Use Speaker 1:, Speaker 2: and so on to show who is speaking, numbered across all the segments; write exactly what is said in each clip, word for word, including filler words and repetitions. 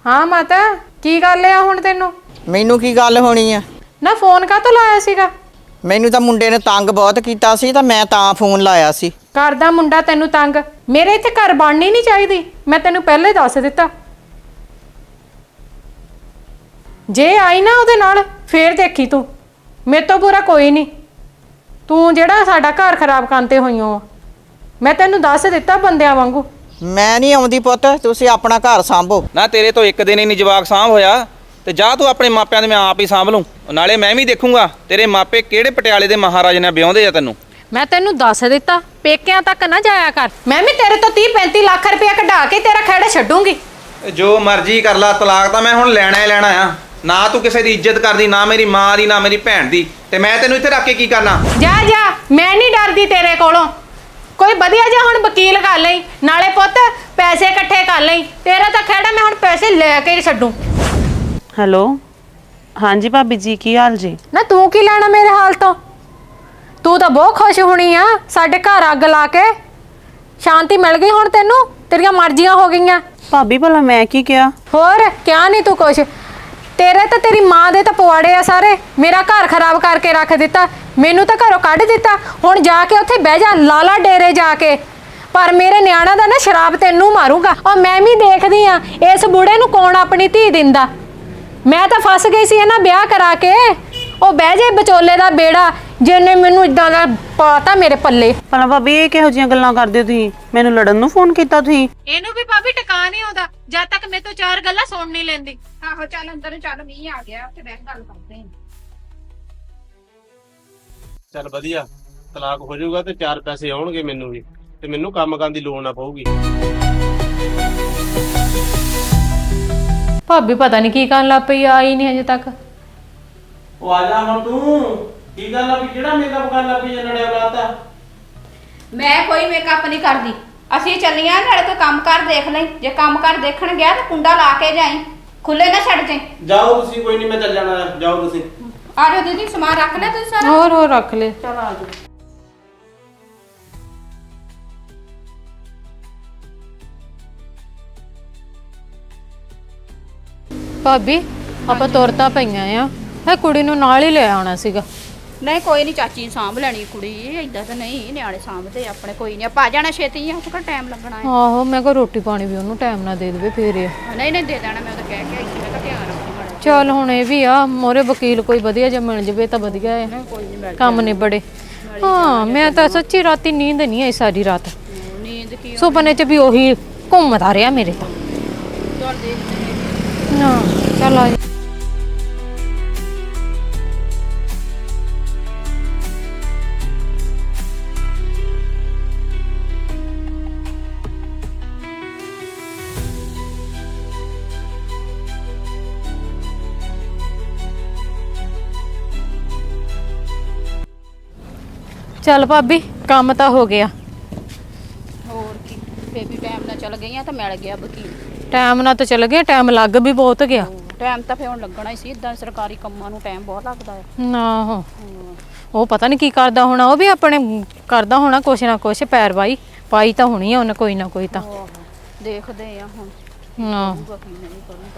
Speaker 1: हाँ माता की गल है हुण तैनूं?
Speaker 2: मैनू की गल होनी है
Speaker 1: ना फोन काहतों लाया सीगा?
Speaker 2: मैनू तां मुंडे ने तंग बहुत कीता सी तां मैं तां फोन लाया सी।
Speaker 1: घर दा मुंडा तैनूं तंग? मेरे इत्थे घर बननी नहीं चाहिदी, मैं तैनूं पहले दस दिता। जे आई ना उहदे नाल फिर देखी तू, मेरे तो बुरा कोई नहीं। तू जिहड़ा साडा घर खराब करते होईओ, मैं तैनूं दस दिता बंदियां वांगू।
Speaker 2: मैं नहीं आउंदी पुੱਤ, तुसीं अपना घर सांभो
Speaker 3: ना। तेरे तो एक दिन ही नहीं जवाक सांभ होया ते जा तू अपने मापिਆਂ ਦੇ मैं आप ही सांभ लूँ। नाले मैं भी देखूंगा तेरे मापे किहड़े पटियाले दे महाराज ने ਵਿਆਹੁੰਦੇ ਆ ਤੈਨੂੰ।
Speaker 1: मैं तेनू दस दिता, पेकिਆਂ तक ना जाया कर। मैं भी तेरे तो तीह पैंती लाख रुपया कढा के तेरा खेड़ा छड्डूंगी।
Speaker 3: जो मर्जी कर ला, तलाक ਤਾਂ ਮੈਂ ਹੁਣ ਲੈਣਾ ਹੀ ਲੈਣਾ ਆ। ना तू किसी की इज्जत करदी, ना मेरी मां दी, ना मेरी भैन दी, ते मैं तेनू इत्थे रख के की करना?
Speaker 1: जा जा, मैं नहीं डरदी तेरे कोलों। कोई वधिया जिहा हुण वकील कर लई, नाले पुੱਤ पैसे इकट्ठे कर लई। तेरा तां खेड़ा मैं हुण पैसे लेके ही छड्डूं।
Speaker 4: हेलो हाँ जी भाभी जी, की हाल जी?
Speaker 1: ना तू की लेना मेरे हाल तो? तू तो बहुत खुश होनी आ साडे घर अग ला के। शांति मिल गई हुण तैनूं, तेरियां मर्जियां हो गईयां।
Speaker 4: भाभी भला मैं की किया?
Speaker 1: होर क्या नहीं तू कुछ। तेरे तो तेरी माँ दे तो पवाड़े आ सारे। मेरा घर खराब करके रख दिता, मैनू तो घरों कढ़ दिता। हुण जाके उत्थे बह जा लाला डेरे जाके, पर मेरे न्याणा दा ना शराब तैनू मारूंगा। और मैं भी देखदी आ इस बूढ़े नू कौन अपनी धी दिंदा। मैं तो फस गई सी ना ब्याह करा के। ਉਹ ਬਹਿ ਜੇ ਵਿਚੋਲੇ ਦਾ ਬੇੜਾ, ਜਿਹਨੇ ਮੈਨੂੰ ਇਦਾਂ ਦਾ ਪਾਤਾ ਮੇਰੇ ਪੱਲੇ।
Speaker 4: ਭਲਾ ਭਾਬੀ ਇਹ ਕਿਹੋ ਜੀਆਂ ਗੱਲਾਂ ਕਰਦੇ ਹੋ ਤੁਸੀਂ? ਮੈਨੂੰ ਲੜਨ ਨੂੰ ਫੋਨ ਕੀਤਾ ਤੁਸੀਂ?
Speaker 1: ਇਹਨੂੰ ਵੀ ਭਾਬੀ ਟਿਕਾ ਨਹੀਂ ਆਉਂਦਾ ਜਦ ਤੱਕ ਮੇਰੇ ਤੋਂ ਚਾਰ ਗੱਲਾਂ ਸੁਣ ਨਹੀਂ ਲੈਂਦੀ।
Speaker 5: ਆਹੋ ਚੱਲ ਅੰਦਰ ਨੂੰ ਚੱਲ, ਮੀਂਹ ਆ ਗਿਆ, ਉੱਥੇ ਬੈਠ ਗੱਲ ਕਰਦੇ ਹਾਂ।
Speaker 6: ਚੱਲ ਵਧੀਆ, ਤਲਾਕ ਹੋ ਜਾਊਗਾ ਤੇ ਚਾਰ ਪੈਸੇ ਆਉਣਗੇ ਮੈਨੂੰ ਵੀ, ਤੇ ਮੈਨੂੰ ਕੰਮ ਕਰਨ ਦੀ ਲੋੜ ਨਾ ਪਊਗੀ।
Speaker 1: ਭਾਬੀ ਪਤਾ ਨਹੀਂ ਕੀ ਕਰਨ ਲੱਗ ਪਈ, ਆਈ ਨਹੀਂ ਹਜੇ ਤੱਕ।
Speaker 6: ਉਹ ਆ ਜਾ ਹੁਣ ਤੂੰ, ਕੀ ਗੱਲ ਆ ਵੀ ਜਿਹੜਾ ਮੇਕਅਪ ਕਰਨ ਲੱਗ ਪਈ ਜਨੜਿਆ ਲਾਤਾ?
Speaker 5: ਮੈਂ ਕੋਈ ਮੇਕਅਪ ਨਹੀਂ ਕਰਦੀ, ਅਸੀਂ ਚੱਲੀਆਂ ਨਾਲੇ ਕੋਈ ਕੰਮ ਕਰ ਦੇਖ ਲਈ। ਜੇ ਕੰਮ ਕਰ ਦੇਖਣ ਗਿਆ ਤਾਂ ਕੁੰਡਾ ਲਾ ਕੇ ਜਾਈ, ਖੁੱਲੇ ਨਾ ਛੱਡ ਜਾਈ।
Speaker 6: ਜਾਓ ਤੁਸੀਂ, ਕੋਈ ਨਹੀਂ ਮੈਂ ਚੱਲ ਜਾਣਾ, ਜਾਓ ਤੁਸੀਂ।
Speaker 5: ਆ ਜਾਓ ਦੀਦੀ, ਸਮਾਨ ਰੱਖ ਲਿਆ ਤੁਸੀਂ ਸਾਰਾ?
Speaker 1: ਹੋਰ ਹੋਰ ਰੱਖ ਲੈ।
Speaker 5: ਚਲ ਆ ਜਾਓ।
Speaker 1: ਭਾਬੀ ਆਪਾਂ ਤੁਰ ਤਾਂ ਪਈਆਂ ਆ, ਇਹ ਕੁੜੀ ਨੂੰ ਨਾਲ ਹੀ ਲੈ ਆਉਣਾ ਸੀਗਾ।
Speaker 5: ਨਹੀਂ ਕੋਈ ਨਹੀਂ, ਚਾਚੀ ਸਾਂਭ ਲੈਣੀ ਕੁੜੀ, ਏਦਾਂ ਤਾਂ ਨਹੀਂ ਨਿਆਣੇ ਸਾਂਭਦੇ ਆਪਣੇ। ਕੋਈ ਨਹੀਂ, ਆਪਾਂ ਆ ਜਾਣਾ ਛੇਤੀ, ਆ ਥੋੜਾ ਟਾਈਮ ਲੱਗਣਾ ਹੈ।
Speaker 1: ਆਹੋ ਮੈਂ ਕਿਹਾ ਰੋਟੀ ਪਾਣੀ ਵੀ ਉਹਨੂੰ ਟਾਈਮ ਨਾਲ ਦੇ ਦੇਵੇ ਫੇਰ ਇਹ।
Speaker 5: ਨਹੀਂ ਨਹੀਂ ਦੇ ਦੇਣਾ, ਮੈਂ ਤਾਂ ਕਹਿ ਕੇ ਆਈ ਸੀ, ਮੈਂ ਕਿਹਾ ਧਿਆਨ ਰੱਖੀ ਮਾੜਾ।
Speaker 1: ਚੱਲ ਹੁਣ ਇਹ ਵੀ ਆ, ਮੋਰੇ ਵਕੀਲ ਕੋਈ ਵਧੀਆ ਜਿਹਾ ਮਿਲ ਜਵੇ ਤਾਂ ਵਧੀਆ ਹੈ,
Speaker 5: ਕੋਈ ਨਹੀਂ ਮਿਲ
Speaker 1: ਕੰਮ ਨਿਬੜੇ। ਹਾਂ ਮੈਂ ਤਾਂ ਸੱਚੀ ਰਾਤੀ ਨੀਂਦ ਨਹੀਂ ਆਈ ਸਾਰੀ ਰਾਤ।
Speaker 5: ਨੀਂਦ ਕੀ
Speaker 1: ਸੁਪਨੇ 'ਚ ਵੀ ਉਹੀ ਘੁੰਮਦਾ ਰਿਹਾ ਮੇਰੇ ਤਾਂ।
Speaker 5: ਚੱਲ ਦੇਖਦੇ
Speaker 1: ਨਾ ਚੱਲ ਆ ਜਾ। ਚੱਲ ਭਾਬੀ ਕੰਮ ਤਾਂ ਹੋ ਗਿਆ।
Speaker 5: ਹੋਰ ਕੀ, ਬੇਬੀ ਟਾਈਮ ਨਾਲ ਚੱਲ ਗਈਆਂ ਤਾਂ ਮਿਲ ਗਿਆ ਵਕੀਲ।
Speaker 1: ਟਾਈਮ ਨਾਲ ਤਾਂ ਚੱਲ ਗਿਆ, ਟਾਈਮ ਲੱਗ ਵੀ ਬਹੁਤ ਗਿਆ।
Speaker 5: ਟਾਈਮ ਤਾਂ ਫੇਰ ਹੁਣ ਲੱਗਣਾ ਹੀ ਸੀ, ਇਦਾਂ ਸਰਕਾਰੀ ਕੰਮਾਂ ਨੂੰ ਟਾਈਮ ਬਹੁਤ ਲੱਗਦਾ ਹੈ।
Speaker 1: ਨਾ ਉਹ ਉਹ ਪਤਾ ਨਹੀਂ ਕੀ ਕਰਦਾ ਹੋਣਾ, ਉਹ ਵੀ ਆਪਣੇ ਕਰਦਾ ਹੋਣਾ ਕੁਛ ਨਾ ਕੁਛ, ਪੈਰਵਾਈ ਪਾਈ ਤਾਂ ਹੋਣੀ ਆ ਉਹਨੇ ਕੋਈ ਨਾ ਕੋਈ ਤਾਂ।
Speaker 5: ਦੇਖਦੇ ਆ ਹੁਣ
Speaker 1: ਨਾ
Speaker 5: ਕੀ ਨਹੀਂ ਕਰੂੰਗਾ।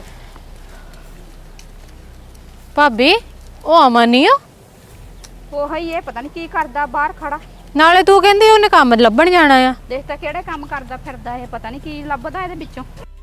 Speaker 1: ਭਾਬੀ ਉਹ ਅਮਨ ਨਹੀਂ ਆ?
Speaker 5: ਉਹ ਹੀ ਇਹ ਪਤਾ ਨਹੀਂ ਕੀ ਕਰਦਾ ਬਾਹਰ ਖੜਾ।
Speaker 1: ਨਾਲੇ ਤੂੰ ਕਹਿੰਦੀ ਉਹਨੇ ਕੰਮ ਲੱਭਣ ਜਾਣਾ ਆ।
Speaker 5: ਦੇਖ ਤਾਂ ਕਿਹੜੇ ਕੰਮ ਕਰਦਾ ਫਿਰਦਾ ਇਹ, ਪਤਾ ਨਹੀਂ ਕੀ ਲੱਭਦਾ ਇਹਦੇ ਵਿੱਚੋਂ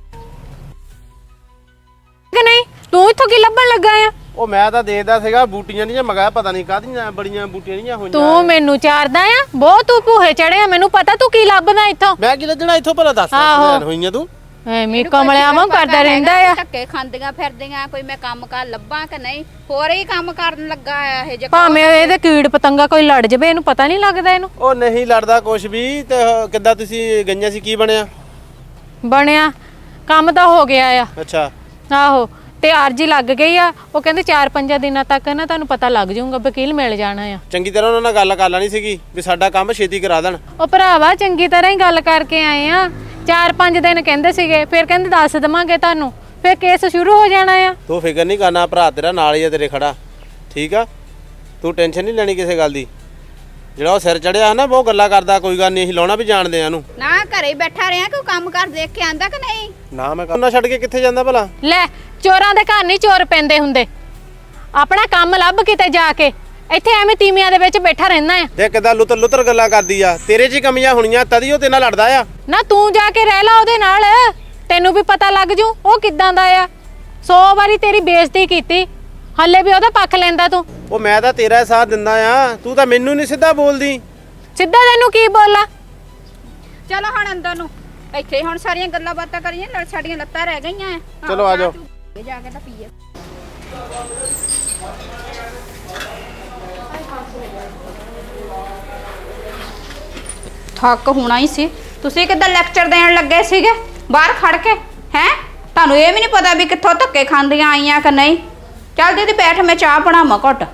Speaker 1: ਕਿ ਨਹੀਂ। ਤੂੰ ਇੱਥੋਂ ਕੀ ਲੱਭਣ ਲੱਗਾ ਆ?
Speaker 6: ਉਹ ਮੈਂ ਤਾਂ ਦੇਖਦਾ ਸੀਗਾ ਬੂਟੀਆਂ ਦੀਆਂ, ਮਗਾ ਪਤਾ ਨਹੀਂ ਕਾਹਦੀਆਂ ਬੜੀਆਂ ਬੂਟੀਆਂ ਨਹੀਂ ਹੋਈਆਂ।
Speaker 1: ਤੂੰ ਮੈਨੂੰ ਚਾਰਦਾ ਆ ਬਹੁਤ, ਤੂੰ ਭੂਹੇ ਚੜਿਆ, ਮੈਨੂੰ ਪਤਾ ਤੂੰ ਕੀ ਲੱਭਦਾ ਇੱਥੋਂ।
Speaker 6: ਮੈਂ ਕੀ ਲੱਜਣਾ ਇੱਥੋਂ, ਭਲਾ ਦੱਸ ਹੋਈਆਂ ਤੂੰ?
Speaker 1: ਐਵੇਂ ਕਮਲਿਆਂ ਵਾਂਗ ਕਰਦਾ ਰਹਿੰਦਾ ਆ।
Speaker 5: ਧੱਕੇ ਖਾਂਦੀਆਂ ਫਿਰਦੀਆਂ, ਕੋਈ ਮੈਂ ਕੰਮ ਕਰ ਲੱਭਾਂ ਕਿ ਨਹੀਂ, ਹੋਰ ਹੀ ਕੰਮ ਕਰਨ ਲੱਗਾ ਆ ਇਹ ਜੇ।
Speaker 1: ਭਾਵੇਂ ਇਹਦੇ ਕੀੜ ਪਤੰਗਾ ਕੋਈ ਲੜ ਜਵੇ, ਇਹਨੂੰ ਪਤਾ ਨਹੀਂ ਲੱਗਦਾ ਇਹਨੂੰ।
Speaker 6: ਉਹ ਨਹੀਂ ਲੜਦਾ ਕੁਛ ਵੀ। ਤੇ ਕਿੱਦਾਂ ਤੁਸੀਂ ਗਈਆਂ ਸੀ, ਕੀ ਬਣਿਆ?
Speaker 1: ਬਣਿਆ ਕੰਮ ਤਾਂ ਹੋ ਗਿਆ ਆ।
Speaker 6: ਅੱਛਾ
Speaker 1: ਆਹੋ, ਤੇ ਅਰਜੀ ਲੱਗ ਗਈ ਆ। ਉਹ ਕਹਿੰਦੇ ਚਾਰ ਪੰਜਾਂ ਦਿਨਾਂ ਤੱਕ ਨਾ ਤੁਹਾਨੂੰ ਪਤਾ ਲੱਗ ਜਾਊਗਾ, ਵਕੀਲ ਮਿਲ ਜਾਣਾ ਆ।
Speaker 6: ਚੰਗੀ ਤਰ੍ਹਾਂ ਉਹਨਾਂ ਨਾਲ ਗੱਲ ਕਰ ਲੈਣੀ ਸੀਗੀ ਵੀ ਸਾਡਾ ਕੰਮ ਛੇਤੀ ਕਰਾ ਦੇਣ।
Speaker 1: ਉਹ ਭਰਾਵਾ ਚੰਗੀ ਤਰ੍ਹਾਂ ਹੀ ਗੱਲ ਕਰਕੇ ਆਏ ਆ। ਚਾਰ ਪੰਜ ਦਿਨ ਕਹਿੰਦੇ ਸੀਗੇ, ਫਿਰ ਕਹਿੰਦੇ ਦੱਸ ਦੇਵਾਂਗੇ ਤੁਹਾਨੂੰ, ਫਿਰ ਕੇਸ ਸ਼ੁਰੂ ਹੋ ਜਾਣਾ ਆ।
Speaker 6: ਤੂੰ ਫਿਕਰ ਨਹੀਂ ਕਰਨਾ, ਭਰਾ ਤੇਰਾ ਨਾਲ ਹੀ ਆ ਤੇਰੇ ਖੜਾ, ਠੀਕ ਆ? ਤੂੰ ਟੈਨਸ਼ਨ ਨਹੀਂ ਲੈਣੀ ਕਿਸੇ ਗੱਲ ਦੀ। ਜਿਹੜਾ ਉਹ ਸਿਰ ਚੜਿਆ ਹੈ ਨਾ, ਬਹੁਤ ਗੱਲਾਂ ਕਰਦਾ, ਕੋਈ ਗੱਲ ਨਹੀਂ, ਅਸੀਂ ਲਾਉਣਾ ਵੀ ਜਾਣਦੇ ਆ ਇਹਨੂੰ।
Speaker 5: ਨਾ ਘਰੇ ਬੈਠਾ ਰਿਹਾ, ਕੋਈ ਕੰਮ ਕਰ ਦੇਖ ਕੇ ਆਂਦਾ ਕਿ ਨਹੀਂ?
Speaker 6: ਨਾ ਮੈਂ ਕੰਮ ਨਾ ਛੱਡ ਕੇ ਕਿੱਥੇ ਜਾਂਦਾ ਭਲਾ?
Speaker 1: ਲੈ ਚੋਰਾਂ ਦੇ ਘਰ ਨਹੀਂ ਚੋਰ ਪੈਂਦੇ ਹੁੰਦੇ। ਆਪਣਾ ਕੰਮ ਲੱਭ ਕਿਤੇ ਜਾ ਕੇ, ਇੱਥੇ ਐਵੇਂ ਤੀਵੀਆਂ ਦੇ ਵਿੱਚ ਬੈਠਾ ਰਹਿਣਾ ਆ।
Speaker 6: ਦੇਖ ਕਿਦਾਂ ਲੁੱਤਰ ਲੁੱਤਰ ਗੱਲਾਂ ਕਰਦੀ ਆ। ਤੇਰੇ 'ਚ ਹੀ ਕਮੀਆਂ ਹੋਣੀਆਂ ਤਦੀ ਉਹ ਤੇਰੇ ਨਾਲ ਲੜਦਾ ਆ।
Speaker 1: ਨਾ ਤੂੰ ਜਾ ਕੇ ਰਹਿ ਲਾ ਉਹਦੇ ਨਾਲ, ਤੈਨੂੰ ਵੀ ਪਤਾ ਲੱਗ ਜੂ ਉਹ ਕਿੱਦਾਂ ਦਾ ਆ। ਸੌ ਵਾਰੀ ਤੇਰੀ ਬੇਇੱਜ਼ਤੀ ਕੀਤੀ, ਹੱਲੇ ਵੀ ਉਹਦਾ ਪੱਖ ਲੈਂਦਾ ਤੂੰ।
Speaker 6: ਉਹ ਮੈਂ ਤਾਂ ਤੇਰਾ ਹੀ ਸਾਥ ਦਿੰਦਾ ਆ, ਤੂੰ ਤਾਂ ਮੈਨੂੰ ਨਹੀਂ ਸਿੱਧਾ ਬੋਲਦੀ।
Speaker 1: ਸਿੱਧਾ ਤੈਨੂੰ ਕੀ ਬੋਲਾਂ?
Speaker 5: ਚਲੋ ਹੁਣ ਅੰਦਰ ਨੂੰ, ਇੱਥੇ ਹੁਣ ਸਾਰੀਆਂ ਗੱਲਾਂ ਬਾਤਾਂ ਕਰੀਏ, ਲੜ ਸਾਡੀਆਂ ਲੱਤਾਂ ਰਹਿ ਗਈਆਂ ਆ। ਆਹੋ,
Speaker 6: ਚਲੋ ਆ ਜਾਓ।
Speaker 5: ਚਾਹ ਚੂਹ ਜਾ ਕੇ ਤਾਂ ਪੀਏ। ਥੱਕ ਹੋਣਾ ਹੀ ਸੀ। ਤੁਸੀਂ ਕਿੱਦਾਂ ਲੈਕਚਰ ਦੇਣ ਲੱਗੇ ਸੀਗੇ ਬਾਹਰ ਖੜ ਕੇ? ਹੈ ਤੁਹਾਨੂੰ ਇਹ ਵੀ ਨਹੀਂ ਪਤਾ ਵੀ ਕਿੱਥੋਂ ਧੱਕੇ ਖਾਂਦੀਆਂ ਆਈਆਂ ਕਿ ਨਹੀਂ? ਚੱਲ ਦੀਦੀ ਬੈਠ, ਮੈਂ ਚਾਹ ਬਣਾਵਾਂ ਘੁੱਟ।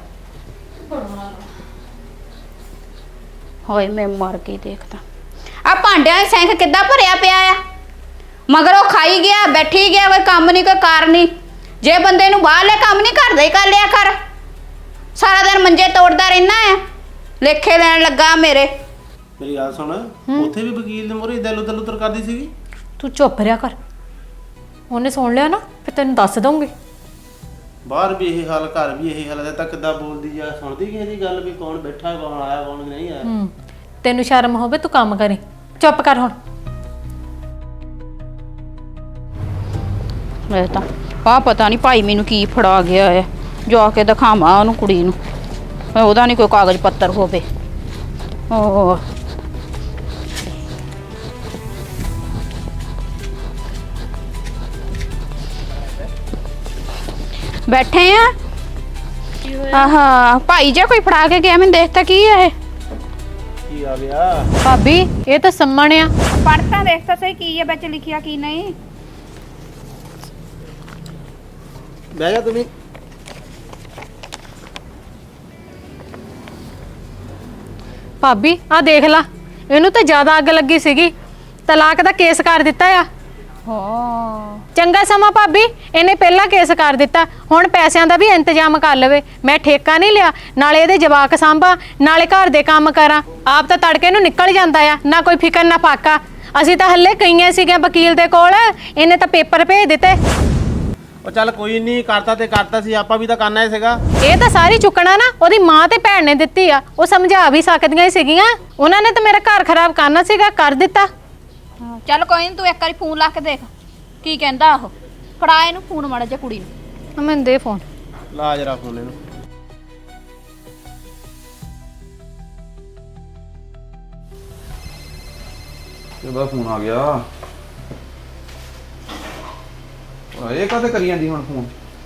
Speaker 5: ਹੋਏ ਮੈਂ ਮਰ ਗਈ। ਦੇਖਦਾ ਆ ਭਾਂਡਿਆਂ ਦਾ ਸਿੰਕ ਕਿੱਦਾਂ ਭਰਿਆ ਪਿਆ ਆ। ਮਗਰ ਉਹ ਖਾਈ ਗਿਆ, ਬੈਠੀ ਗਿਆ, ਕੋਈ ਕੰਮ ਨਹੀਂ, ਕੋਈ ਕਾਰ ਨਹੀਂ। ਜੇ ਬੰਦੇ ਨੂੰ ਬਾਹਰਲੇ ਕੰਮ ਨਹੀਂ ਘਰ ਦਾ ਹੀ ਕਰ ਲਿਆ ਕਰ। ਸਾਰਾ ਦਿਨ ਮੰਜੇ ਤੋੜਦਾ ਰਹਿਣਾ ਆ। ਲੇਖੇ ਲੈਣ ਲੱਗਾ ਮੇਰੇ।
Speaker 6: ਮੇਰੀ ਗੱਲ ਸੁਣ, ਉੱਥੇ ਵੀ ਵਕੀਲ ਦੇ ਮੂਹਰੇ ਦਿਲ ਉਧਰ ਉਧਰ ਕਰਦੀ ਸੀਗੀ।
Speaker 1: ਤੂੰ ਚੁੱਪ ਰਿਹਾ ਕਰ, ਉਹਨੇ ਸੁਣ ਲਿਆ ਨਾ ਫਿਰ ਤੈਨੂੰ ਦੱਸ ਦਊਂਗੀ।
Speaker 6: ਬਾਹਰ ਵੀ ਇਹ ਹਾਲ, ਘਰ ਵੀ ਇਹ ਹਾਲ ਹੈ। ਤਾਂ ਕਿੱਦਾਂ ਬੋਲਦੀ ਆ, ਸੁਣਦੀ ਕਿਸੇ ਦੀ ਗੱਲ ਵੀ ਕੌਣ ਬੈਠਾ, ਕੌਣ ਆਇਆ, ਕੌਣ ਨਹੀਂ ਆਇਆ।
Speaker 1: ਹੂੰ ਤੈਨੂੰ ਸ਼ਰਮ ਹੋਵੇ ਤੂੰ ਕੰਮ ਕਰੀ। ਚੁੱਪ ਕਰ ਹੁਣ।
Speaker 5: ਮੈਂ ਤਾਂ ਆ ਪਤਾ ਨਹੀਂ ਭਾਈ ਮੈਨੂੰ ਕੀ ਫੜਾ ਗਿਆ ਹੈ। ਜਾ ਕੇ ਦਿਖਾਵਾਂ ਉਹਨੂੰ ਕੁੜੀ ਨੂੰ, ਉਹਦਾ ਨਹੀਂ ਕੋਈ ਕਾਗਜ਼ ਪੱਤਰ ਹੋਵੇ। ਓ ਬੈਠੇ ਆ। ਆਹਾ ਭਾਈ ਜੇ ਕੋਈ ਫੜਾ ਕੇ ਗਿਆ, ਮੈਨੂੰ ਦੇਖ ਤਾਂ ਕੀ ਹੈ ਇਹ।
Speaker 6: ਕੀ ਆ ਗਿਆ?
Speaker 1: ਭਾਬੀ ਇਹ ਤਾਂ ਸੰਮਣ ਆ।
Speaker 5: ਪੜ੍ਹ ਤਾਂ ਦੇਖ ਤਾਂ ਸਹੀ ਕੀ ਹੈ ਵਿੱਚ ਲਿਖਿਆ ਕੀ ਨਹੀਂ।
Speaker 6: ਬਹਿ ਜਾ ਤੁਸੀਂ।
Speaker 1: ਭਾਬੀ ਆ ਦੇਖ ਲਾ, ਇਹਨੂੰ ਤਾਂ ਜ਼ਿਆਦਾ ਅੱਗ ਲੱਗੀ ਸੀਗੀ, ਤਲਾਕ ਦਾ ਕੇਸ ਕਰ ਦਿੱਤਾ ਆ।
Speaker 5: ਹਾਂ
Speaker 1: ਚੰਗਾ ਸਮਾਂ ਭਾਬੀ, ਇਹਨੇ ਪਹਿਲਾਂ ਕੇਸ ਕਰ ਦਿੱਤਾ, ਹੁਣ ਪੈਸਿਆਂ ਦਾ ਵੀ ਇੰਤਜ਼ਾਮ ਕਰ ਲਵੇ। ਮੈਂ ਠੇਕਾ ਨਹੀਂ ਲਿਆ, ਨਾਲੇ ਇਹਦੇ ਜਵਾਕ ਸਾਂਭਾ, ਨਾਲੇ ਘਰ ਦੇ ਕੰਮ ਕਰਾਂ। ਆਪ ਤਾਂ ਤੜਕੇ ਨੂੰ ਨਿਕਲ ਜਾਂਦਾ ਆ, ਨਾ ਕੋਈ ਫਿਕਰ ਨਾ ਫਾਕਾ। ਅਸੀਂ ਤਾਂ ਹੱਲੇ ਕਈਆਂ ਸੀਗੇ ਵਕੀਲ ਦੇ ਕੋਲ, ਇਹਨੇ ਤਾਂ ਪੇਪਰ ਭੇਜ ਦਿੱਤੇ।
Speaker 6: ਉਹ ਚੱਲ ਕੋਈ ਨਹੀਂ, ਕਰਤਾ ਤੇ ਕਰਤਾ ਸੀ, ਆਪਾਂ ਵੀ ਤਾਂ ਕਰਨਾ ਹੀ ਸੀਗਾ।
Speaker 1: ਇਹ ਤਾਂ ਸਾਰੀ ਚੁੱਕਣਾ ਨਾ ਉਹਦੀ ਮਾਂ ਤੇ ਭੈਣ ਨੇ ਦਿੱਤੀ ਆ। ਉਹ ਸਮਝਾ ਵੀ ਸਕਦੀਆਂ ਹੀ ਸੀਗੀਆਂ, ਉਹਨਾਂ ਨੇ ਤਾਂ ਮੇਰਾ ਘਰ ਖਰਾਬ ਕਰਨਾ ਸੀਗਾ, ਕਰ ਦਿੱਤਾ।
Speaker 5: ਚੱਲ ਕੋਈ ਨਹੀਂ, ਤੂੰ ਇੱਕ ਵਾਰੀ ਫੋਨ ਲਾ ਕੇ ਦੇਖ ਕੀ ਕਹਿੰਦਾ ਉਹ। ਫੜਾ ਇਹਨੂੰ ਫੋਨ ਮਾੜਾ ਜਿਹਾ ਕੁੜੀ ਨੂੰ।
Speaker 1: ਮੈਨੂੰ ਦੇ ਫੋਨ।
Speaker 6: ਲਾ ਜਰਾ ਫੋਨ ਇਹਨੂੰ।
Speaker 3: ਇਹਦਾ ਫੋਨ ਆ ਗਿਆ। ਇਹ ਕਾਹਤੇ ਕਰੀ ਜਾਂਦੀ ਹੁਣ ਫੋਨ?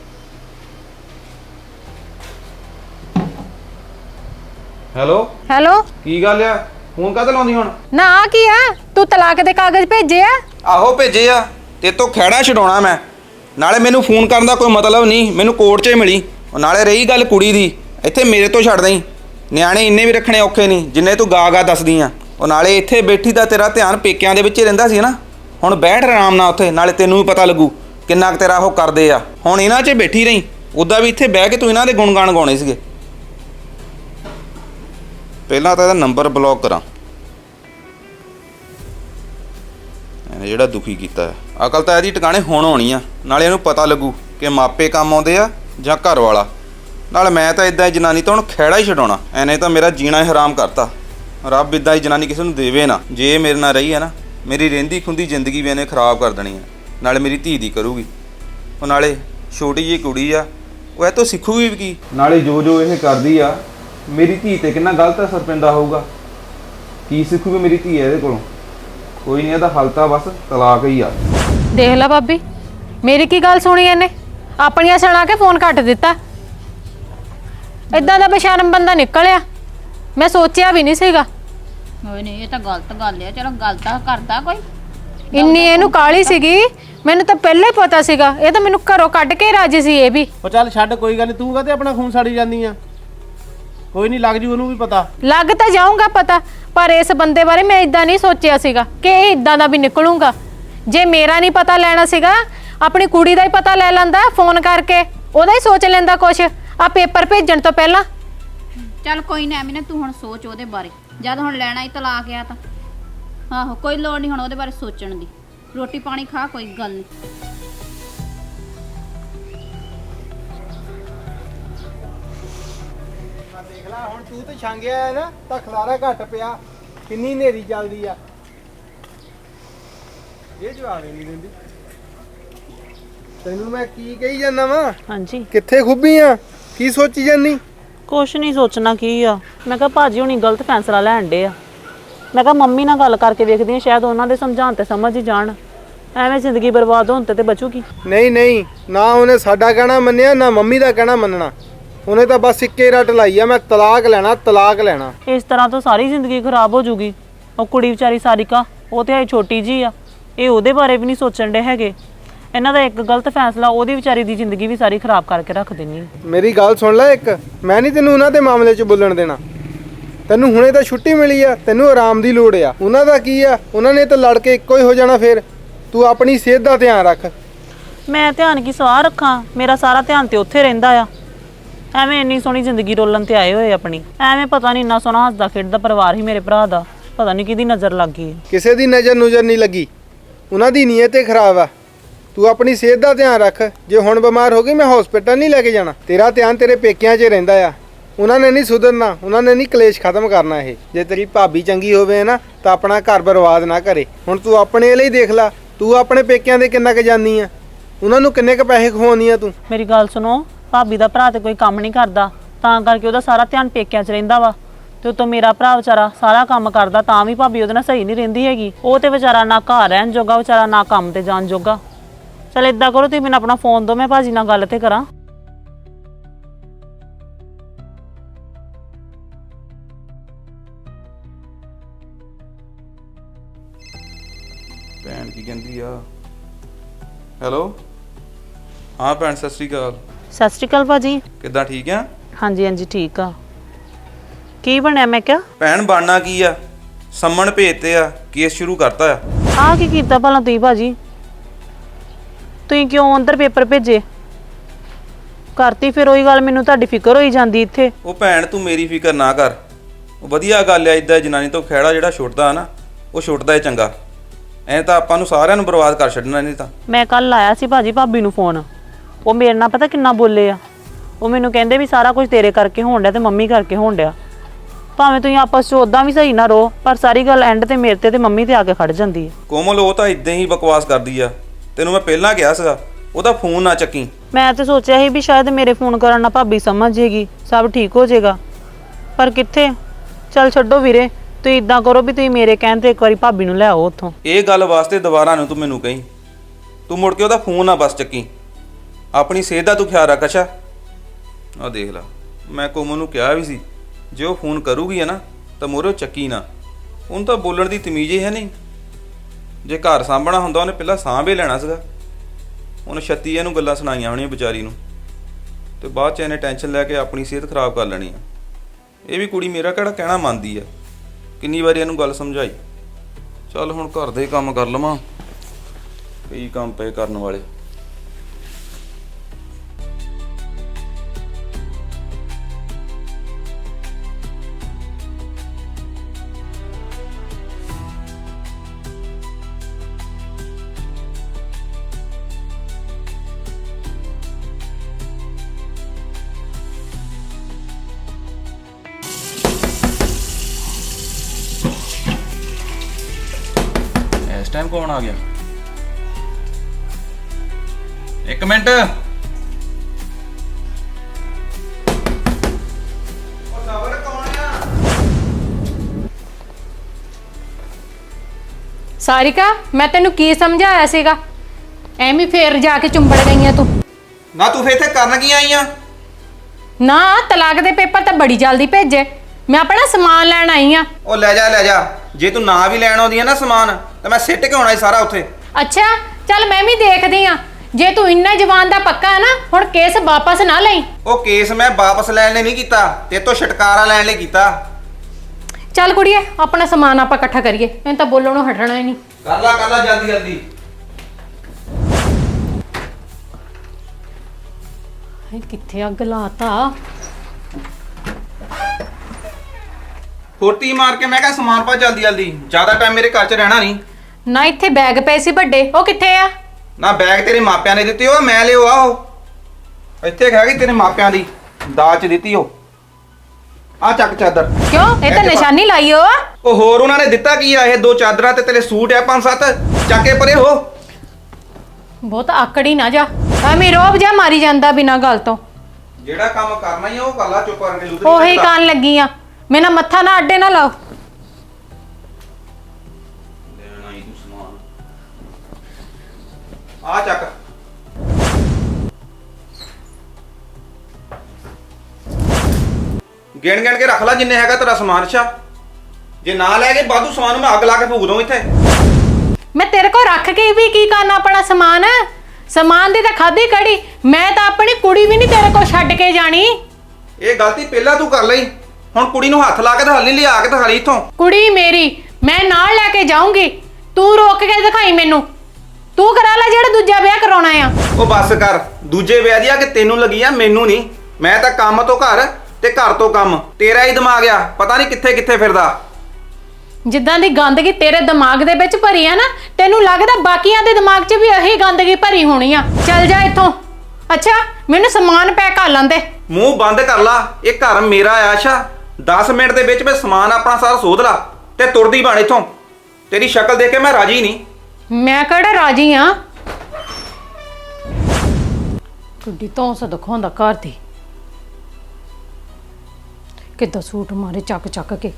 Speaker 3: ਹੈਲੋ
Speaker 1: ਹੈਲੋ,
Speaker 3: ਕੀ ਗੱਲ ਆ? ਫੋਨ ਕਾਹਤੇ ਲਾਉਂਦੀ ਹੁਣ?
Speaker 1: ਨਾ ਆ ਕੀ ਆ? ਤੂੰ ਤਲਾਕ ਦੇ ਕਾਗਜ਼ ਭੇਜੇ ਆ?
Speaker 3: ਆਹੋ ਭੇਜੇ ਆ, ਤੇ ਤੋਂ ਖਹਿੜਾ ਛਡਾਉਣਾ ਮੈਂ। ਨਾਲੇ ਮੈਨੂੰ ਫੋਨ ਕਰਨ ਦਾ ਕੋਈ ਮਤਲਬ ਨਹੀਂ, ਮੈਨੂੰ ਕੋਰਟ 'ਚ ਮਿਲੀ। ਉਹ ਨਾਲੇ ਰਹੀ ਗੱਲ ਕੁੜੀ ਦੀ, ਇੱਥੇ ਮੇਰੇ ਤੋਂ ਛੱਡ ਦਈ। ਨਿਆਣੇ ਇੰਨੇ ਵੀ ਰੱਖਣੇ ਔਖੇ ਨਹੀਂ ਜਿੰਨੇ ਤੂੰ ਗਾ ਗਾ ਦੱਸਦੀ ਆ। ਉਹ ਨਾਲੇ ਇੱਥੇ ਬੈਠੀ ਦਾ ਤੇਰਾ ਧਿਆਨ ਪੇਕਿਆਂ ਦੇ ਵਿੱਚ ਹੀ ਰਹਿੰਦਾ ਸੀ ਨਾ। ਹੁਣ ਬੈਠ ਆਰਾਮ ਨਾਲ ਉੱਥੇ, ਨਾਲੇ ਤੈਨੂੰ ਵੀ ਪਤਾ ਲੱਗੂ ਕਿੰਨਾ ਕੁ ਤੇਰਾ ਉਹ ਕਰਦੇ ਆ। ਹੁਣ ਇਹਨਾਂ 'ਚ ਬੈਠੀ ਰਹੀ, ਉੱਦਾਂ ਵੀ ਇੱਥੇ ਬਹਿ ਕੇ ਤੂੰ ਇਹਨਾਂ ਦੇ ਗੁਣਗਾਨ ਗਾਉਣੇ ਸੀਗੇ। ਪਹਿਲਾਂ ਤਾਂ ਇਹਦਾ ਨੰਬਰ ਬਲੌਕ ਕਰਾਂ, ਇਹਨੇ ਜਿਹੜਾ ਦੁਖੀ ਕੀਤਾ ਹੈ। ਅਕਲ ਤਾਂ ਇਹਦੀ ਟਿਕਾਣੇ ਹੁਣ ਹੋਣੀ ਆ, ਨਾਲੇ ਇਹਨੂੰ ਪਤਾ ਲੱਗੂ ਕਿ ਮਾਪੇ ਕੰਮ ਆਉਂਦੇ ਆ ਜਾਂ ਘਰ ਵਾਲਾ। ਨਾਲ ਮੈਂ ਤਾਂ ਇਦਾਂ ਹੀ ਜਨਾਨੀ ਤਾਂ ਹੁਣ ਖਹਿੜਾ ਹੀ ਛਡਾਉਣਾ। ਐਨੇ ਤਾਂ ਮੇਰਾ ਜੀਣਾ ਹੀ ਹਰਾਮ ਕਰਤਾ। ਰੱਬ ਇਦਾਂ ਹੀ ਜਨਾਨੀ ਕਿਸੇ ਨੂੰ ਦੇਵੇ ਨਾ। ਜੇ ਮੇਰੇ ਨਾਲ ਰਹੀ ਹੈ ਨਾ, ਮੇਰੀ ਰਹਿੰਦੀ ਖੁੰਦੀ ਜ਼ਿੰਦਗੀ ਵੀ ਇਹਨੇ ਖਰਾਬ ਕਰ ਦੇਣੀ ਹੈ। ਨਾਲੇ ਮੇਰੀ ਧੀ ਦੀ ਕਰੂਗੀ। ਉਹ ਨਾਲੇ ਛੋਟੀ ਜਿਹੀ ਕੁੜੀ ਆ, ਉਹ ਇਹ ਤੋਂ ਸਿੱਖੂਗੀ ਵੀ ਕੀ। ਨਾਲੇ ਜੋ ਜੋ ਇਹ ਕਰਦੀ ਆ, ਮੇਰੀ ਧੀ ਤੇ ਕਿੰਨਾ ਗਲਤ ਅਸਰ ਪੈਂਦਾ ਹੋਊਗਾ। ਕੀ ਸਿੱਖੂਗੀ ਮੇਰੀ ਧੀ ਇਹਦੇ ਕੋਲੋਂ? ਕੋਈ ਨਹੀਂ, ਇਹਦਾ ਹੱਲ ਤਾਂ ਬਸ ਤਲਾਕ ਹੀ ਆ।
Speaker 1: ਦੇਖ ਲੈ ਭਾਬੀ, ਮੇਰੀ ਕੀ ਗੱਲ ਸੁਣੀ ਇਹਨੇ? ਆਪਣੀਆਂ ਸੁਣਾ ਕੇ ਫੋਨ ਕੱਟ ਦਿੱਤਾ। ਇਦਾਂ ਦਾ ਬੇਸ਼ਰਮ ਬੰਦਾ ਨਿਕਲਿਆ, ਮੈਂ ਸੋਚਿਆ ਵੀ ਨਹੀਂ ਸੀਗਾ।
Speaker 5: ਹੋਏ ਨਹੀਂ, ਇਹ ਤਾਂ ਗਲਤ ਗੱਲ ਆ। ਚਲੋ ਗਲਤ ਕਰਦਾ ਕੋਈ।
Speaker 1: ਇੰਨੀ ਇਹਨੂੰ ਕਾਲੀ ਸੀਗੀ, ਮੈਨੂੰ ਤਾਂ ਪਹਿਲਾਂ ਹੀ ਪਤਾ ਸੀਗਾ। ਇਹ ਤਾਂ ਮੈਨੂੰ ਘਰੋਂ ਕੱਢ ਕੇ ਰਾਜੀ ਸੀ ਇਹ ਵੀ।
Speaker 6: ਉਹ ਚੱਲ ਛੱਡ, ਕੋਈ ਗੱਲ ਨਹੀਂ। ਤੂੰ ਕਾਹਤੇ ਆਪਣਾ ਖੂਨ ਸਾੜੀ ਜਾਂਦੀ ਆ? ਕੋਈ ਨਹੀਂ, ਲੱਗ ਜੂ ਉਹਨੂੰ ਵੀ ਪਤਾ।
Speaker 1: ਲੱਗ ਤਾਂ ਜਾਊਂਗਾ ਪਤਾ, ਪਰ ਇਸ ਬੰਦੇ ਬਾਰੇ ਮੈਂ ਇਦਾਂ ਨਹੀਂ ਸੋਚਿਆ ਸੀਗਾ ਕਿ ਇਹ ਇਦਾਂ ਦਾ ਵੀ ਨਿਕਲੂਗਾ। ਜੇ ਮੇਰਾ ਨਹੀਂ ਪਤਾ ਲੈਣਾ ਸੀਗਾ, ਆਪਣੀ ਕੁੜੀ ਦਾ ਹੀ ਪਤਾ ਲੈ ਲੈਂਦਾ ਫੋਨ ਕਰਕੇ, ਉਹਦਾ ਹੀ ਸੋਚ ਲੈਂਦਾ ਕੁਛ ਆ ਪੇਪਰ ਭੇਜਣ ਤੋਂ ਪਹਿਲਾਂ।
Speaker 5: ਚੱਲ ਕੋਈ ਨਾ ਐਵੇਂ ਨਾ ਤੂੰ ਹੁਣ ਸੋਚ ਉਹਦੇ ਬਾਰੇ। ਜਦ ਹੁਣ ਲੈਣਾ ਹੀ ਤਲਾਕ ਆ ਤਾਂ ਆਹੋ ਕੋਈ ਲੋੜ ਨਹੀਂ ਹੁਣ ਉਹਦੇ ਬਾਰੇ ਸੋਚਣ ਦੀ। ਰੋਟੀ ਪਾਣੀ ਖਾ, ਕੋਈ ਗੱਲ ਨਹੀਂ।
Speaker 7: ਦੇਖ ਲੈ ਹੁਣ ਤੂੰ ਤੇ ਛਾਂਗਿਆ ਹੈ ਨਾ ਤਾਂ ਖਲਾਰਾ ਘੱਟ ਪਿਆ, ਕਿੰਨੀ ਹਨੇਰੀ ਚੱਲਦੀ ਆ। ਇਹ ਜਵਾਬ ਹੀ ਨਹੀਂ ਦਿੰਦੀ। ਤੈਨੂੰ ਮੈਂ ਕੀ ਕਹੀ ਜਾਂਦਾ ਵਾ,
Speaker 4: ਹਾਂਜੀ
Speaker 7: ਕਿੱਥੇ ਖੁੱਬੀ ਆ, ਕੀ ਸੋਚੀ ਜਾਂਦੀ?
Speaker 4: ਕੁਛ ਨਹੀਂ ਸੋਚਣਾ ਕੀ ਆ। ਮੈਂ ਕਿਹਾ ਭਾਜੀ ਹੁਣੀ ਗਲਤ ਫੈਸਲਾ ਲੈਣ ਡੇ ਆ। ਮੈਂ ਕਿਹਾ ਮੰਮੀ ਨਾਲ ਗੱਲ ਕਰਕੇ ਵੇਖਦੀ ਆ, ਸ਼ਾਇਦ ਉਹਨਾਂ ਦੇ ਸਮਝਾਉਣ ਤੇ ਸਮਝ ਹੀ ਜਾਣ। ਐਵੇਂ ਜ਼ਿੰਦਗੀ ਬਰਬਾਦ ਹੋਣ ਤੇ ਤੇ ਬਚੂਗੀ।
Speaker 7: ਨਹੀਂ ਨਹੀਂ, ਨਾ ਉਹਨੇ ਸਾਡਾ ਕਹਿਣਾ ਮੰਨਿਆ ਨਾ ਮੰਮੀ ਦਾ ਕਹਿਣਾ ਮੰਨਣਾ। ਉਹਨੇ ਤਾਂ ਬਸ ਇੱਕੇ ਰੱਟ ਲਾਈ ਆ, ਮੈਂ ਤਲਾਕ ਲੈਣਾ ਤਲਾਕ ਲੈਣਾ।
Speaker 4: ਇਸ ਤਰ੍ਹਾਂ ਤੋਂ ਸਾਰੀ ਜ਼ਿੰਦਗੀ ਖਰਾਬ ਹੋ ਜੂਗੀ। ਉਹ ਕੁੜੀ ਵਿਚਾਰੀ ਸਾਰਿਕਾ, ਉਹ ਤੇ ਹੈ ਛੋਟੀ ਜੀ ਆ, ਇਹ ਉਹਦੇ ਬਾਰੇ ਵੀ ਨਹੀਂ ਸੋਚਣ ਡੇ ਹੈਗੇ। ਇਹਨਾਂ ਦਾ ਇੱਕ ਗਲਤ ਫੈਸਲਾ ਉਹਦੀ ਵਿਚਾਰੀ ਦੀ ਜ਼ਿੰਦਗੀ ਵੀ ਸਾਰੀ ਖਰਾਬ ਕਰਕੇ ਰੱਖ ਦੇਣੀ।
Speaker 7: ਮੇਰੀ ਗੱਲ ਸੁਣ ਲੈ ਇੱਕ, ਮੈਂ ਨਹੀਂ ਤੈਨੂੰ ਉਹਨਾਂ ਦੇ ਮਾਮਲੇ 'ਚ ਬੋਲਣ ਦੇਣਾ। ਤੈਨੂੰ ਹੁਣੇ ਤਾਂ ਛੁੱਟੀ ਮਿਲੀ ਆ, ਤੈਨੂੰ ਆਰਾਮ ਦੀ ਲੋੜ ਆ। ਉਹਨਾਂ ਦਾ ਕੀ ਆ, ਉਹਨਾਂ ਨੇ ਤਾਂ ਲੜ ਕੇ ਇੱਕੋ ਹੀ ਹੋ ਜਾਣਾ। ਫਿਰ ਤੂੰ ਆਪਣੀ ਸਿਹਤ ਦਾ ਧਿਆਨ ਰੱਖ।
Speaker 4: ਮੈਂ ਧਿਆਨ ਕੀ ਸਵਾਹ ਰੱਖਾਂ, ਮੇਰਾ ਸਾਰਾ ਧਿਆਨ ਤੇ ਉੱਥੇ ਰਹਿੰਦਾ ਆ। ਐਵੇਂ ਇੰਨੀ ਸੋਹਣੀ ਜ਼ਿੰਦਗੀ ਰੋਲਣ ਤੇ ਆਏ ਹੋਏ ਆਪਣੀ। ਐਵੇਂ ਪਤਾ ਨਹੀਂ ਇੰਨਾ ਸੋਹਣਾ ਹੱਸਦਾ ਖੇਡਦਾ ਪਰਿਵਾਰ ਹੀ ਮੇਰੇ ਭਰਾ ਦਾ, ਪਤਾ ਨਹੀਂ ਕਿਹਦੀ ਨਜ਼ਰ ਲੱਗ ਗਈ।
Speaker 7: ਕਿਸੇ ਦੀ ਨਜ਼ਰ ਨੁਜ਼ਰ ਨਹੀਂ ਲੱਗੀ, ਉਹਨਾਂ ਦੀ ਨੀਅਤ ਹੀ ਖਰਾਬ ਆ। ਤੂੰ ਆਪਣੀ ਸਿਹਤ ਦਾ ਧਿਆਨ ਰੱਖ। ਜੇ ਹੁਣ ਬਿਮਾਰ ਹੋ ਗਈ ਮੈਂ ਹਸਪੀਟਲ ਨਹੀਂ ਲੈ ਕੇ ਜਾਣਾ। ਤੇਰਾ ਧਿਆਨ ਤੇਰੇ ਪੇਕਿਆਂ 'ਚ ਰਹਿੰਦਾ ਆ। ਉਹਨਾਂ ਨੇ ਨਹੀਂ ਸੁਧਰਨਾ, ਉਹਨਾਂ ਨੇ ਨਹੀਂ ਕਲੇਸ਼ ਖਤਮ ਕਰਨਾ। ਇਹ ਜੇ ਤੇਰੀ ਭਾਬੀ ਚੰਗੀ ਹੋਵੇ ਨਾ ਤਾਂ ਆਪਣਾ ਘਰ ਬਰਬਾਦ ਨਾ ਕਰੇ। ਹੁਣ ਤੂੰ ਆਪਣੇ ਲਈ ਦੇਖ ਲੈ, ਤੂੰ ਆਪਣੇ ਪੇਕਿਆਂ ਦੇ ਕਿੰਨਾ ਕੁ ਜਾਂਦੀ ਆ, ਉਹਨਾਂ ਨੂੰ ਕਿੰਨੇ ਕੁ ਪੈਸੇ ਖਵਾਉਂਦੀ ਆ ਤੂੰ।
Speaker 4: ਮੇਰੀ ਗੱਲ ਸੁਣੋ, ਭਾਬੀ ਦਾ ਭਰਾ ਤੇ ਕੋਈ ਕੰਮ ਨਹੀਂ ਕਰਦਾ, ਤਾਂ ਕਰਕੇ ਉਹਦਾ ਸਾਰਾ ਧਿਆਨ ਪੇਕਿਆਂ 'ਚ ਰਹਿੰਦਾ ਵਾ। ਤੇ ਉਤੋਂ ਮੇਰਾ ਭਰਾ ਵਿਚਾਰਾ ਸਾਰਾ ਕੰਮ ਕਰਦਾ, ਤਾਂ ਵੀ ਭਾਬੀ ਉਹਦੇ ਨਾਲ ਸਹੀ ਨਹੀਂ ਰਹਿੰਦੀ ਹੈਗੀ। ਉਹ ਤੇ ਵਿਚਾਰਾ ਨਾ ਘਰ ਰਹਿਣ ਜੋਗਾ, ਵਿਚਾਰਾ ਨਾ ਕੰਮ ਤੇ ਜਾਣ ਜੋਗਾ। ਚਲ ਏਦਾਂ ਕਰੋ, ਤੁਸੀਂ ਮੈਨੂੰ ਆਪਣਾ ਫੋਨ ਦਿਓ, ਮੈਂ ਭਾਜੀ ਨਾਲ ਗੱਲ ਤੇ ਕਰਾਂ।
Speaker 3: ਭੈਣ ਕੀ ਕਹਿੰਦੀ ਆ? ਹੈਲੋ, ਹਾਂ ਭੈਣ ਸਤਿ ਸ਼੍ਰੀ ਅਕਾਲ।
Speaker 4: ਸਤਿ ਸ਼੍ਰੀ ਅਕਾਲ ਭਾਜੀ।
Speaker 3: ਕਿੱਦਾਂ, ਠੀਕ ਆ?
Speaker 4: ਹਾਂਜੀ ਹਾਂਜੀ ਠੀਕ ਆ। ਕੀ ਬਣਿਆ? ਮੈਂ ਕਿਹਾ
Speaker 3: ਭੈਣ ਬਣਨਾ ਕੀ ਆ, ਸੰਮਣ ਭੇਜਤੇ ਆ, ਕੇਸ ਸ਼ੁਰੂ ਕਰਤਾ ਆ।
Speaker 4: ਆਹ ਕੀ ਕੀਤਾ ਭਲਾ ਤੁਸੀਂ ਭਾਜੀ? ਤੁਸੀਂ ਕਿਉਂ ਅੰਦਰ ਪੇਪਰ ਭੇਜੇ? ਕਰਤੀ ਫਿਰ ਉਹੀ ਗੱਲ, ਮੈਨੂੰ ਤੁਹਾਡੀ ਫਿਕਰ ਹੋਈ ਜਾਂਦੀ ਇੱਥੇ।
Speaker 3: ਉਹ ਭੈਣ ਤੂੰ ਮੇਰੀ ਫਿਕਰ ਨਾ ਕਰ, ਉਹ ਵਧੀਆ ਗੱਲ ਆ। ਇਦਾਂ ਜਨਾਨੀ ਤੋਂ ਖਹਿੜਾ ਜਿਹੜਾ ਛੁੱਟਦਾ ਨਾ, ਉਹ ਛੁੱਟਦਾ ਹੈ ਚੰਗਾ। ਐਂ ਤਾਂ ਆਪਾਂ ਨੂੰ ਸਾਰਿਆਂ ਨੂੰ ਬਰਬਾਦ ਕਰ ਛੱਡਣਾ ਨਹੀਂ ਤਾਂ।
Speaker 4: ਮੈਂ ਕੱਲ ਲਾਇਆ ਸੀ ਭਾਜੀ ਭਾਬੀ ਨੂੰ ਫੋਨ, ਉਹ ਮੇਰੇ ਨਾਲ ਪਤਾ ਕਿੰਨਾ ਬੋਲੇ ਆ। ਉਹ ਮੈਨੂੰ ਕਹਿੰਦੇ ਵੀ ਸਾਰਾ ਕੁਝ ਤੇਰੇ ਕਰਕੇ ਹੋਣ ਡਿਆ ਤੇ ਮੰਮੀ ਕਰਕੇ ਹੋਣ ਡਿਆ। ਭਾਵੇਂ ਤੁਸੀਂ ਆਪਸ 'ਚ ਉਦਾਂ ਵੀ ਸਹੀ ਨਾ ਰਹੋ, ਪਰ ਸਾਰੀ ਗੱਲ ਐਂਡ ਤੇ ਮੇਰੇ ਤੇ ਤੇ ਮੰਮੀ ਤੇ ਆ ਕੇ ਖੜ ਜਾਂਦੀ ਹੈ।
Speaker 3: ਕੋਮਲ ਉਹ ਤਾਂ ਇਦਾਂ ਹੀ ਬਕਵਾਸ ਕਰਦੀ ਆ, ਤੈਨੂੰ ਮੈਂ ਪਹਿਲਾਂ ਕਿਹਾ ਸੀਗਾ ਉਹਦਾ ਫੋਨ ਨਾ ਚੱਕੀ।
Speaker 4: ਮੈਂ ਤੇ ਸੋਚਿਆ ਸੀ ਵੀ ਸ਼ਾਇਦ ਮੇਰੇ ਫੋਨ ਕਰਨ ਨਾਲ ਭਾਬੀ ਸਮਝ ਜੇਗੀ, ਸਭ ਠੀਕ ਹੋ ਜਾਏਗਾ, ਪਰ ਕਿੱਥੇ। ਚੱਲ ਛੱਡੋ ਵੀਰੇ, ਤੁਸੀਂ ਇਦਾਂ ਕਰੋ ਵੀ ਤੁਸੀਂ ਮੇਰੇ ਕਹਿਣ ਤੇ ਇੱਕ ਵਾਰੀ ਭਾਬੀ ਨੂੰ ਲੈ ਆਓ ਉੱਥੋਂ।
Speaker 3: ਇਹ ਗੱਲ ਵਾਸਤੇ ਦੁਬਾਰਾ ਨੂੰ ਤੂੰ ਮੈਨੂੰ ਕਹੀਂ, ਤੂੰ ਮੁੜ ਕੇ ਉਹਦਾ ਫੋਨ ਨਾ ਬਸ ਚੱਕੀ। ਆਪਣੀ ਸਿਹਤ ਦਾ ਤੂੰ ਖਿਆਲ ਰੱਖ। ਅੱਛਾ ਆਹ ਦੇਖ ਲਾ, ਮੈਂ ਕੋਮਲ ਨੂੰ ਕਿਹਾ ਵੀ ਸੀ ਜੇ ਉਹ ਫੋਨ ਕਰੂਗੀ ਹੈ ਨਾ ਤਾਂ ਮੋਰੋ ਚੱਕੀ ਨਾ। ਉਹਨੂੰ ਤਾਂ ਬੋਲਣ ਦੀ ਤਮੀਜ਼ ਹੀ ਹੈ ਨਹੀਂ। ਜੇ ਘਰ ਸਾਂਭਣਾ ਹੁੰਦਾ ਉਹਨੇ ਪਹਿਲਾਂ ਸਾਂਭ ਹੀ ਲੈਣਾ ਸੀਗਾ। ਉਹਨੇ ਛੱਤੀ ਇਹਨੂੰ ਗੱਲਾਂ ਸੁਣਾਈਆਂ ਹੋਣੀਆਂ ਵਿਚਾਰੀ ਨੂੰ, ਤੇ ਬਾਅਦ 'ਚ ਇਹਨੇ ਟੈਨਸ਼ਨ ਲੈ ਕੇ ਆਪਣੀ ਸਿਹਤ ਖਰਾਬ ਕਰ ਲੈਣੀ ਆ। ਇਹ ਵੀ ਕੁੜੀ ਮੇਰਾ ਕਿਹੜਾ ਕਹਿਣਾ ਮੰਨਦੀ ਆ, ਕਿੰਨੀ ਵਾਰੀ ਇਹਨੂੰ ਗੱਲ ਸਮਝਾਈ। ਚੱਲ ਹੁਣ ਘਰ ਦੇ ਕੰਮ ਕਰ ਲਵਾਂ, ਕਈ ਕੰਮ ਪਏ ਕਰਨ ਵਾਲੇ। ਇਸ ਟਾਈਮ ਕੌਣ ਆ ਗਿਆ? ਇੱਕ ਮਿੰਟ। ਉਹ ਨਵਰ ਕੌਣ ਆ?
Speaker 1: ਸਾਰਿਕਾ, ਮੈਂ ਤੈਨੂੰ ਕੀ ਸਮਝਾਇਆ ਸੀਗਾ? ਐਵੇਂ ਫੇਰ ਜਾ ਕੇ ਚੁੰਬੜ ਗਈਆਂ ਤੂੰ।
Speaker 3: ਨਾ ਤੂੰ ਫੇਰ ਇੱਥੇ ਕਰਨ ਕੀ ਆਈ ਆ?
Speaker 1: ਨਾ ਤਲਾਕ ਦੇ ਪੇਪਰ ਤਾਂ ਬੜੀ ਜਲਦੀ ਭੇਜੇ, ਮੈਂ ਆਪਣਾ ਸਮਾਨ ਲੈਣ ਆਈ ਆ।
Speaker 3: ਉਹ ਲੈ ਜਾ ਲੈ ਜਾ, ਜੇ ਤੂੰ ਨਾ ਵੀ ਲੈਣ ਆਉਂਦੀ ਆ ਨਾ ਸਮਾਨ ਤਾਂ ਮੈਂ ਸਿੱਟ ਕੇ ਆਉਣਾ ਸੀ ਸਾਰਾ ਉੱਥੇ।
Speaker 1: ਅੱਛਾ ਚੱਲ ਮੈਂ ਵੀ ਦੇਖਦੀ ਆ, ਜੇ ਤੂੰ ਇੰਨਾ ਜਵਾਨ ਦਾ ਪੱਕਾ ਹੈ ਨਾ, ਹੁਣ ਕੇਸ ਵਾਪਸ ਨਾ ਲਈ।
Speaker 3: ਉਹ ਕੇਸ ਮੈਂ ਵਾਪਸ ਲੈਣ ਲਈ ਨਹੀਂ ਕੀਤਾ, ਤੇ ਤੋਂ ਛੁਟਕਾਰਾ ਲੈਣ ਲਈ ਕੀਤਾ।
Speaker 1: ਚੱਲ ਕੁੜੀਏ, ਆਪਣਾ ਸਮਾਨ ਆਪਾਂ ਇਕੱਠਾ ਕਰੀਏ, ਮੈਨੂੰ ਤਾਂ ਬੋਲਣੋਂ ਹਟਣਾ ਹੀ ਨਹੀਂ।
Speaker 3: ਕਰ ਲਾ ਕਰ ਲਾ ਜਲਦੀ ਜਲਦੀ।
Speaker 1: ਹਾਏ ਕਿੱਥੇ ਅੱਗ ਲਾਤਾ।
Speaker 3: ਫੋਟੀ ਮਾਰ ਕੇ ਮੈਂ ਕਿਹਾ ਸਮਾਨ ਪਾ ਜਲਦੀ ਜਲਦੀ, ਜ਼ਿਆਦਾ ਟਾਈਮ ਮੇਰੇ ਘਰ 'ਚ ਰਹਿਣਾ ਨਹੀਂ।
Speaker 1: ਨਾ ਇੱਥੇ ਬੈਗ ਪਏ ਸੀ ਵੱਡੇ, ਉਹ ਕਿੱਥੇ ਆ?
Speaker 3: ਨਾ ਬੈਗ ਤੇਰੇ ਮਾਪਿਆਂ ਨੇ ਦਿੱਤੇ, ਉਹ ਮੈਂ ਲਿਓ ਆ। ਉਹ ਇੱਥੇ ਹੈਗੀ ਤੇਰੇ ਮਾਪਿਆਂ ਦੀ ਦਾਜ ਚ ਦਿੱਤੀ। ਉਹ ਆ ਚੱਕ ਚਾਦਰ।
Speaker 1: ਕਿਉਂ? ਇਹ ਤਾਂ ਨਿਸ਼ਾਨੀ ਲਾਈ ਓ ਆ।
Speaker 3: ਉਹ ਹੋਰ ਉਹਨਾਂ ਨੇ ਦਿੱਤਾ ਕੀ ਆ? ਇਹ ਦੋ ਚਾਦਰਾਂ ਤੇ ਤੇਰੇ ਸੂਟ ਆ ਪੰਜ ਸੱਤ, ਚੱਕ ਕੇ ਪਰੇ ਹੋ।
Speaker 1: ਬਹੁਤ ਆਕੜੀ ਨਾ ਜਾ, ਐਵੇਂ ਰੋਬ ਜਾ ਮਾਰੀ ਜਾਂਦਾ ਬਿਨਾਂ ਗੱਲ ਤੋਂ।
Speaker 3: ਜਿਹੜਾ ਕੰਮ ਕਰਨਾ ਹੀ ਆ ਉਹ ਕਰ ਲਾ, ਚੁੱਪ ਕਰਕੇ ਲੁੱਟ
Speaker 1: ਉਹੀ ਕਰਨ ਲੱਗੀ ਆ, ਮੇਰਾ ਮੱਥਾ ਨਾ ਅੱਡੇ ਨਾ ਲਾਓ।
Speaker 3: ਲੈਣਾ ਹੀ ਤੂੰ ਸਮਾਨ ਆ ਚੱਕ। ਗਿਣ ਗਿਣ ਕੇ ਰੱਖ ਲੈ ਜਿੰਨੇ ਹੈਗਾ ਤੇਰਾ ਸਮਾਨ। ਅੱਛਾ ਜੇ ਨਾ ਲੈ ਕੇ ਬਾਦੂ ਸਮਾਨ ਨੂੰ ਮੈਂ ਅੱਗ ਲਾ ਕੇ ਫੂਕ ਦਊਂ ਇੱਥੇ।
Speaker 1: ਮੈਂ ਤੇਰੇ ਕੋਲ ਰੱਖ ਕੇ ਵੀ ਕੀ ਕਰਨਾ ਆਪਣਾ ਸਮਾਨ? ਸਮਾਨ ਦੀ ਤਾਂ ਖਾਦੀ ਕੜੀ। ਮੈਂ ਤਾਂ ਆਪਣੀ ਕੁੜੀ ਵੀ ਨਹੀਂ ਤੇਰੇ ਕੋਲ ਛੱਡ ਕੇ ਜਾਣੀ।
Speaker 3: ਇਹ ਗਲਤੀ ਪਹਿਲਾਂ ਤੂੰ ਕਰ ਲਈ, ਹੁਣ ਕੁੜੀ ਨੂੰ ਹੱਥ ਲਾ ਕੇ ਦਿਖਾ ਲਈ, ਲਿਆ ਕੇ ਦਿਖਾ ਲਈ ਇੱਥੋਂ।
Speaker 1: ਕੁੜੀ ਮੇਰੀ, ਮੈਂ ਨਾਲ ਲੈ ਕੇ ਜਾਊਂਗੀ। ਤੂੰ ਰੋਕ ਕੇ ਦਿਖਾਈ ਮੈਨੂੰ। ਤੂੰ ਕਰਾ ਲੈ ਜਿਹੜਾ ਦੂਜਾ ਵਿਆਹ ਕਰਾਉਣਾ ਆ।
Speaker 3: ਉਹ ਬੱਸ ਕਰ, ਦੂਜੇ ਵਿਆਹ ਦੀ ਆ ਕਿ ਤੈਨੂੰ ਲੱਗੀ ਆ, ਮੈਨੂੰ ਨਹੀਂ। ਮੈਂ ਤਾਂ ਕੰਮ ਤੋਂ ਘਰ ਤੇ ਘਰ ਤੋਂ ਕੰਮ। ਤੇਰਾ ਹੀ ਦਿਮਾਗ ਆ ਪਤਾ ਨਹੀਂ ਕਿੱਥੇ ਕਿੱਥੇ ਫਿਰਦਾ।
Speaker 1: ਜਿੱਦਾਂ ਦੀ ਗੰਦਗੀ ਤੇਰੇ ਦਿਮਾਗ ਦੇ ਵਿੱਚ ਭਰੀ ਆ ਨਾ, ਤੈਨੂੰ ਲੱਗਦਾ ਬਾਕੀਆਂ ਦੇ ਦਿਮਾਗ 'ਚ ਵੀ ਇਹੀ ਗੰਦਗੀ ਭਰੀ ਹੋਣੀ ਆ। ਚੱਲ ਜਾ ਇੱਥੋਂ। ਅੱਛਾ ਮੈਨੂੰ ਸਮਾਨ ਪੈਕ ਕਰ ਲੈਂਦੇ।
Speaker 3: ਮੂੰਹ ਬੰਦ ਕਰ ਲਾ, ਇਹ ਘਰ ਮੇਰਾ ਆ। ਅੱਛਾ ਦਸ ਮਿੰਟ ਦੇ ਵਿੱਚ ਮੈਂ ਸਮਾਨ ਆਪਣਾ ਸਾਰਾ ਸੋਧ ਲਾ ਤੇ ਤੁਰਦੀ ਬਣ ਇੱਥੋਂ। ਤੇਰੀ ਸ਼ਕਲ ਦੇਖ ਕੇ ਮੈਂ ਰਾਜੀ ਨਹੀਂ।
Speaker 1: ਮੈਂ ਕਿਹੜਾ ਰਾਜੀ ਆ? ਕੁੱਡੀ ਤੋਂ ਸ ਦਿਖਾਉਂਦਾ ਘਰ ਦੀ। ਕਿੱਦਾਂ ਸੂਟ ਮਾਰੇ ਚੱਕ ਚੱਕ ਕੇ।